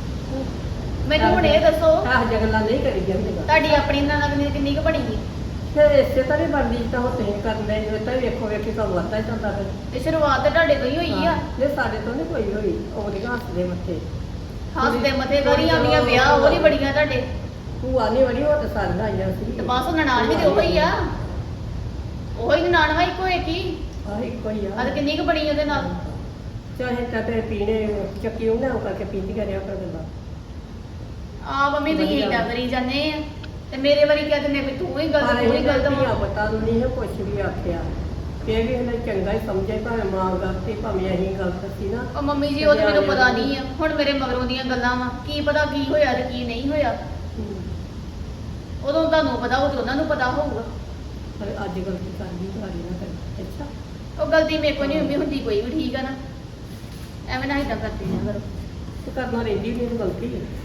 ਮੈਨੂੰ ਹੁਣ ਇਹ ਦੱਸੋ, ਆਹ ਜਗਲਾ ਨਹੀਂ ਕਰੀ ਜਾਂਦੀ। ਤੁਹਾਡੀ ਆਪਣੀ ਨਾਲ ਕਿੰਨੀ ਕੁ ਬਣੀ ਸੀ? ਫਿਰ ਇਸੇ ਤਰ੍ਹਾਂ ਹੀ ਬਣਦੀ ਤਾਂ ਉਹ ਤੁਸੀਂ ਕਰਦੇ ਜੋ ਤਾਂ ਵੇਖੋ ਵੇਖੀ ਤੁਹਾਨੂੰ ਵੱਧਦਾ ਹੀ ਜਾਂਦਾ ਫਿਰ। ਤੇ ਸ਼ੁਰੂਆਤ ਤਾਂ ਤੁਹਾਡੇ ਤੋਂ ਹੀ ਹੋਈ ਆ। ਜੇ ਸਾਡੇ ਤੋਂ ਨਹੀਂ ਕੋਈ ਹੋਈ, ਉਹਦੇ ਹੱਸਦੇ ਮੱਥੇ ਹੱਸਦੇ ਮੱਥੇ ਗਰੀਆਂ ਆਉਂਦੀਆਂ, ਵਿਆਹ ਉਹ ਨਹੀਂ ਬੜੀਆਂ ਤੁਹਾਡੇ। ਭੂਆ ਨਹੀਂ ਵੜੀ, ਉਹ ਤਾਂ ਸਾਰੀਆਂ ਆਈਆਂ ਸੀ। ਤੇ ਬਸ ਨਨਾਣ ਵੀ ਤੇ ਉਹ ਹੀ ਆ। ਉਹ ਹੀ ਨਨਾਣ ਵਾ, ਇੱਕੋ ਇੱਕ ਹੀ। ਆਹ ਇੱਕੋ ਹੀ ਆ ਆ। ਤੇ ਕਿੰਨੀ ਕੁ ਬਣੀ ਉਹਦੇ ਨਾਲ? ਚਾਹੇ ਤਾਂ ਤੇ ਪੀਣੇ ਚੱਕੀ ਉਹਨਾਂ ਨੂੰ ਕਰਕੇ ਪੀਂਦੀ ਕਰਿਆ ਕਰ ਦਿੰਦਾ। ਆ ਮੰਮੀ ਤੁਸੀਂ ਵਧੀਆ। ਏਦਾਂ ਕਰੀ ਜਾਂਦੇ ਆ ਤੇ ਮੇਰੇ ਵਾਰੀ ਕਹਿ ਦਿੰਦੇ ਵੀ ਤੂੰ ਹੀ ਗਲਤ, ਪਰ ਤੂੰ ਹੀ ਇਹ ਗਲਤ ਗਲਤੀਆਂ ਵਾ। ਪਤਾ ਨਹੀਂ ਹੈ, ਕੁਛ ਵੀ ਆਖਿਆ ਫਿਰ ਵੀ ਇਹਨੇ ਚੰਗਾ ਹੀ ਸਮਝੇ, ਭਾਵੇਂ ਮਾਂ ਗਲਤੀ ਭਾਵੇਂ ਅਸੀਂ ਗਲਤ ਸੀ ਨਾ। ਉਹ ਮੰਮੀ ਜੀ ਉਹ ਤੇ ਮੈਨੂੰ ਪਤਾ ਨਹੀਂ ਆ। ਹੁਣ ਮੇਰੇ ਮਗਰੋਂ ਦੀਆਂ ਗੱਲਾਂ ਵਾ, ਕੀ ਪਤਾ ਕੀ ਹੋਇਆ ਤੇ ਕੀ ਨਹੀਂ ਹੋਇਆ। ਉਦੋਂ ਤੁਹਾਨੂੰ ਪਤਾ ਉਹ ਤੇ ਉਹਨਾਂ ਨੂੰ ਪਤਾ ਹੋਊਗਾ। ਪਰ ਅੱਜ ਗਲਤੀ ਕਰਦੀ ਤੁਹਾਡੀ ਨਾ ਕਰੀ। ਅੱਛਾ ਉਹ ਗਲਤੀ ਮੇਰੇ ਕੋਲ ਨਹੀਂ ਹੁੰਦੀ, ਹੁੰਦੀ ਕੋਈ ਵੀ, ਠੀਕ ਆ ਨਾ? ਐਵੇਂ ਨਾ ਏਦਾਂ ਕਰਦੇ ਆ ਕਰੋ। ਤੇ ਕਰਨਾ ਰਹਿੰਦੀ ਨਹੀਂ ਗਲਤੀ।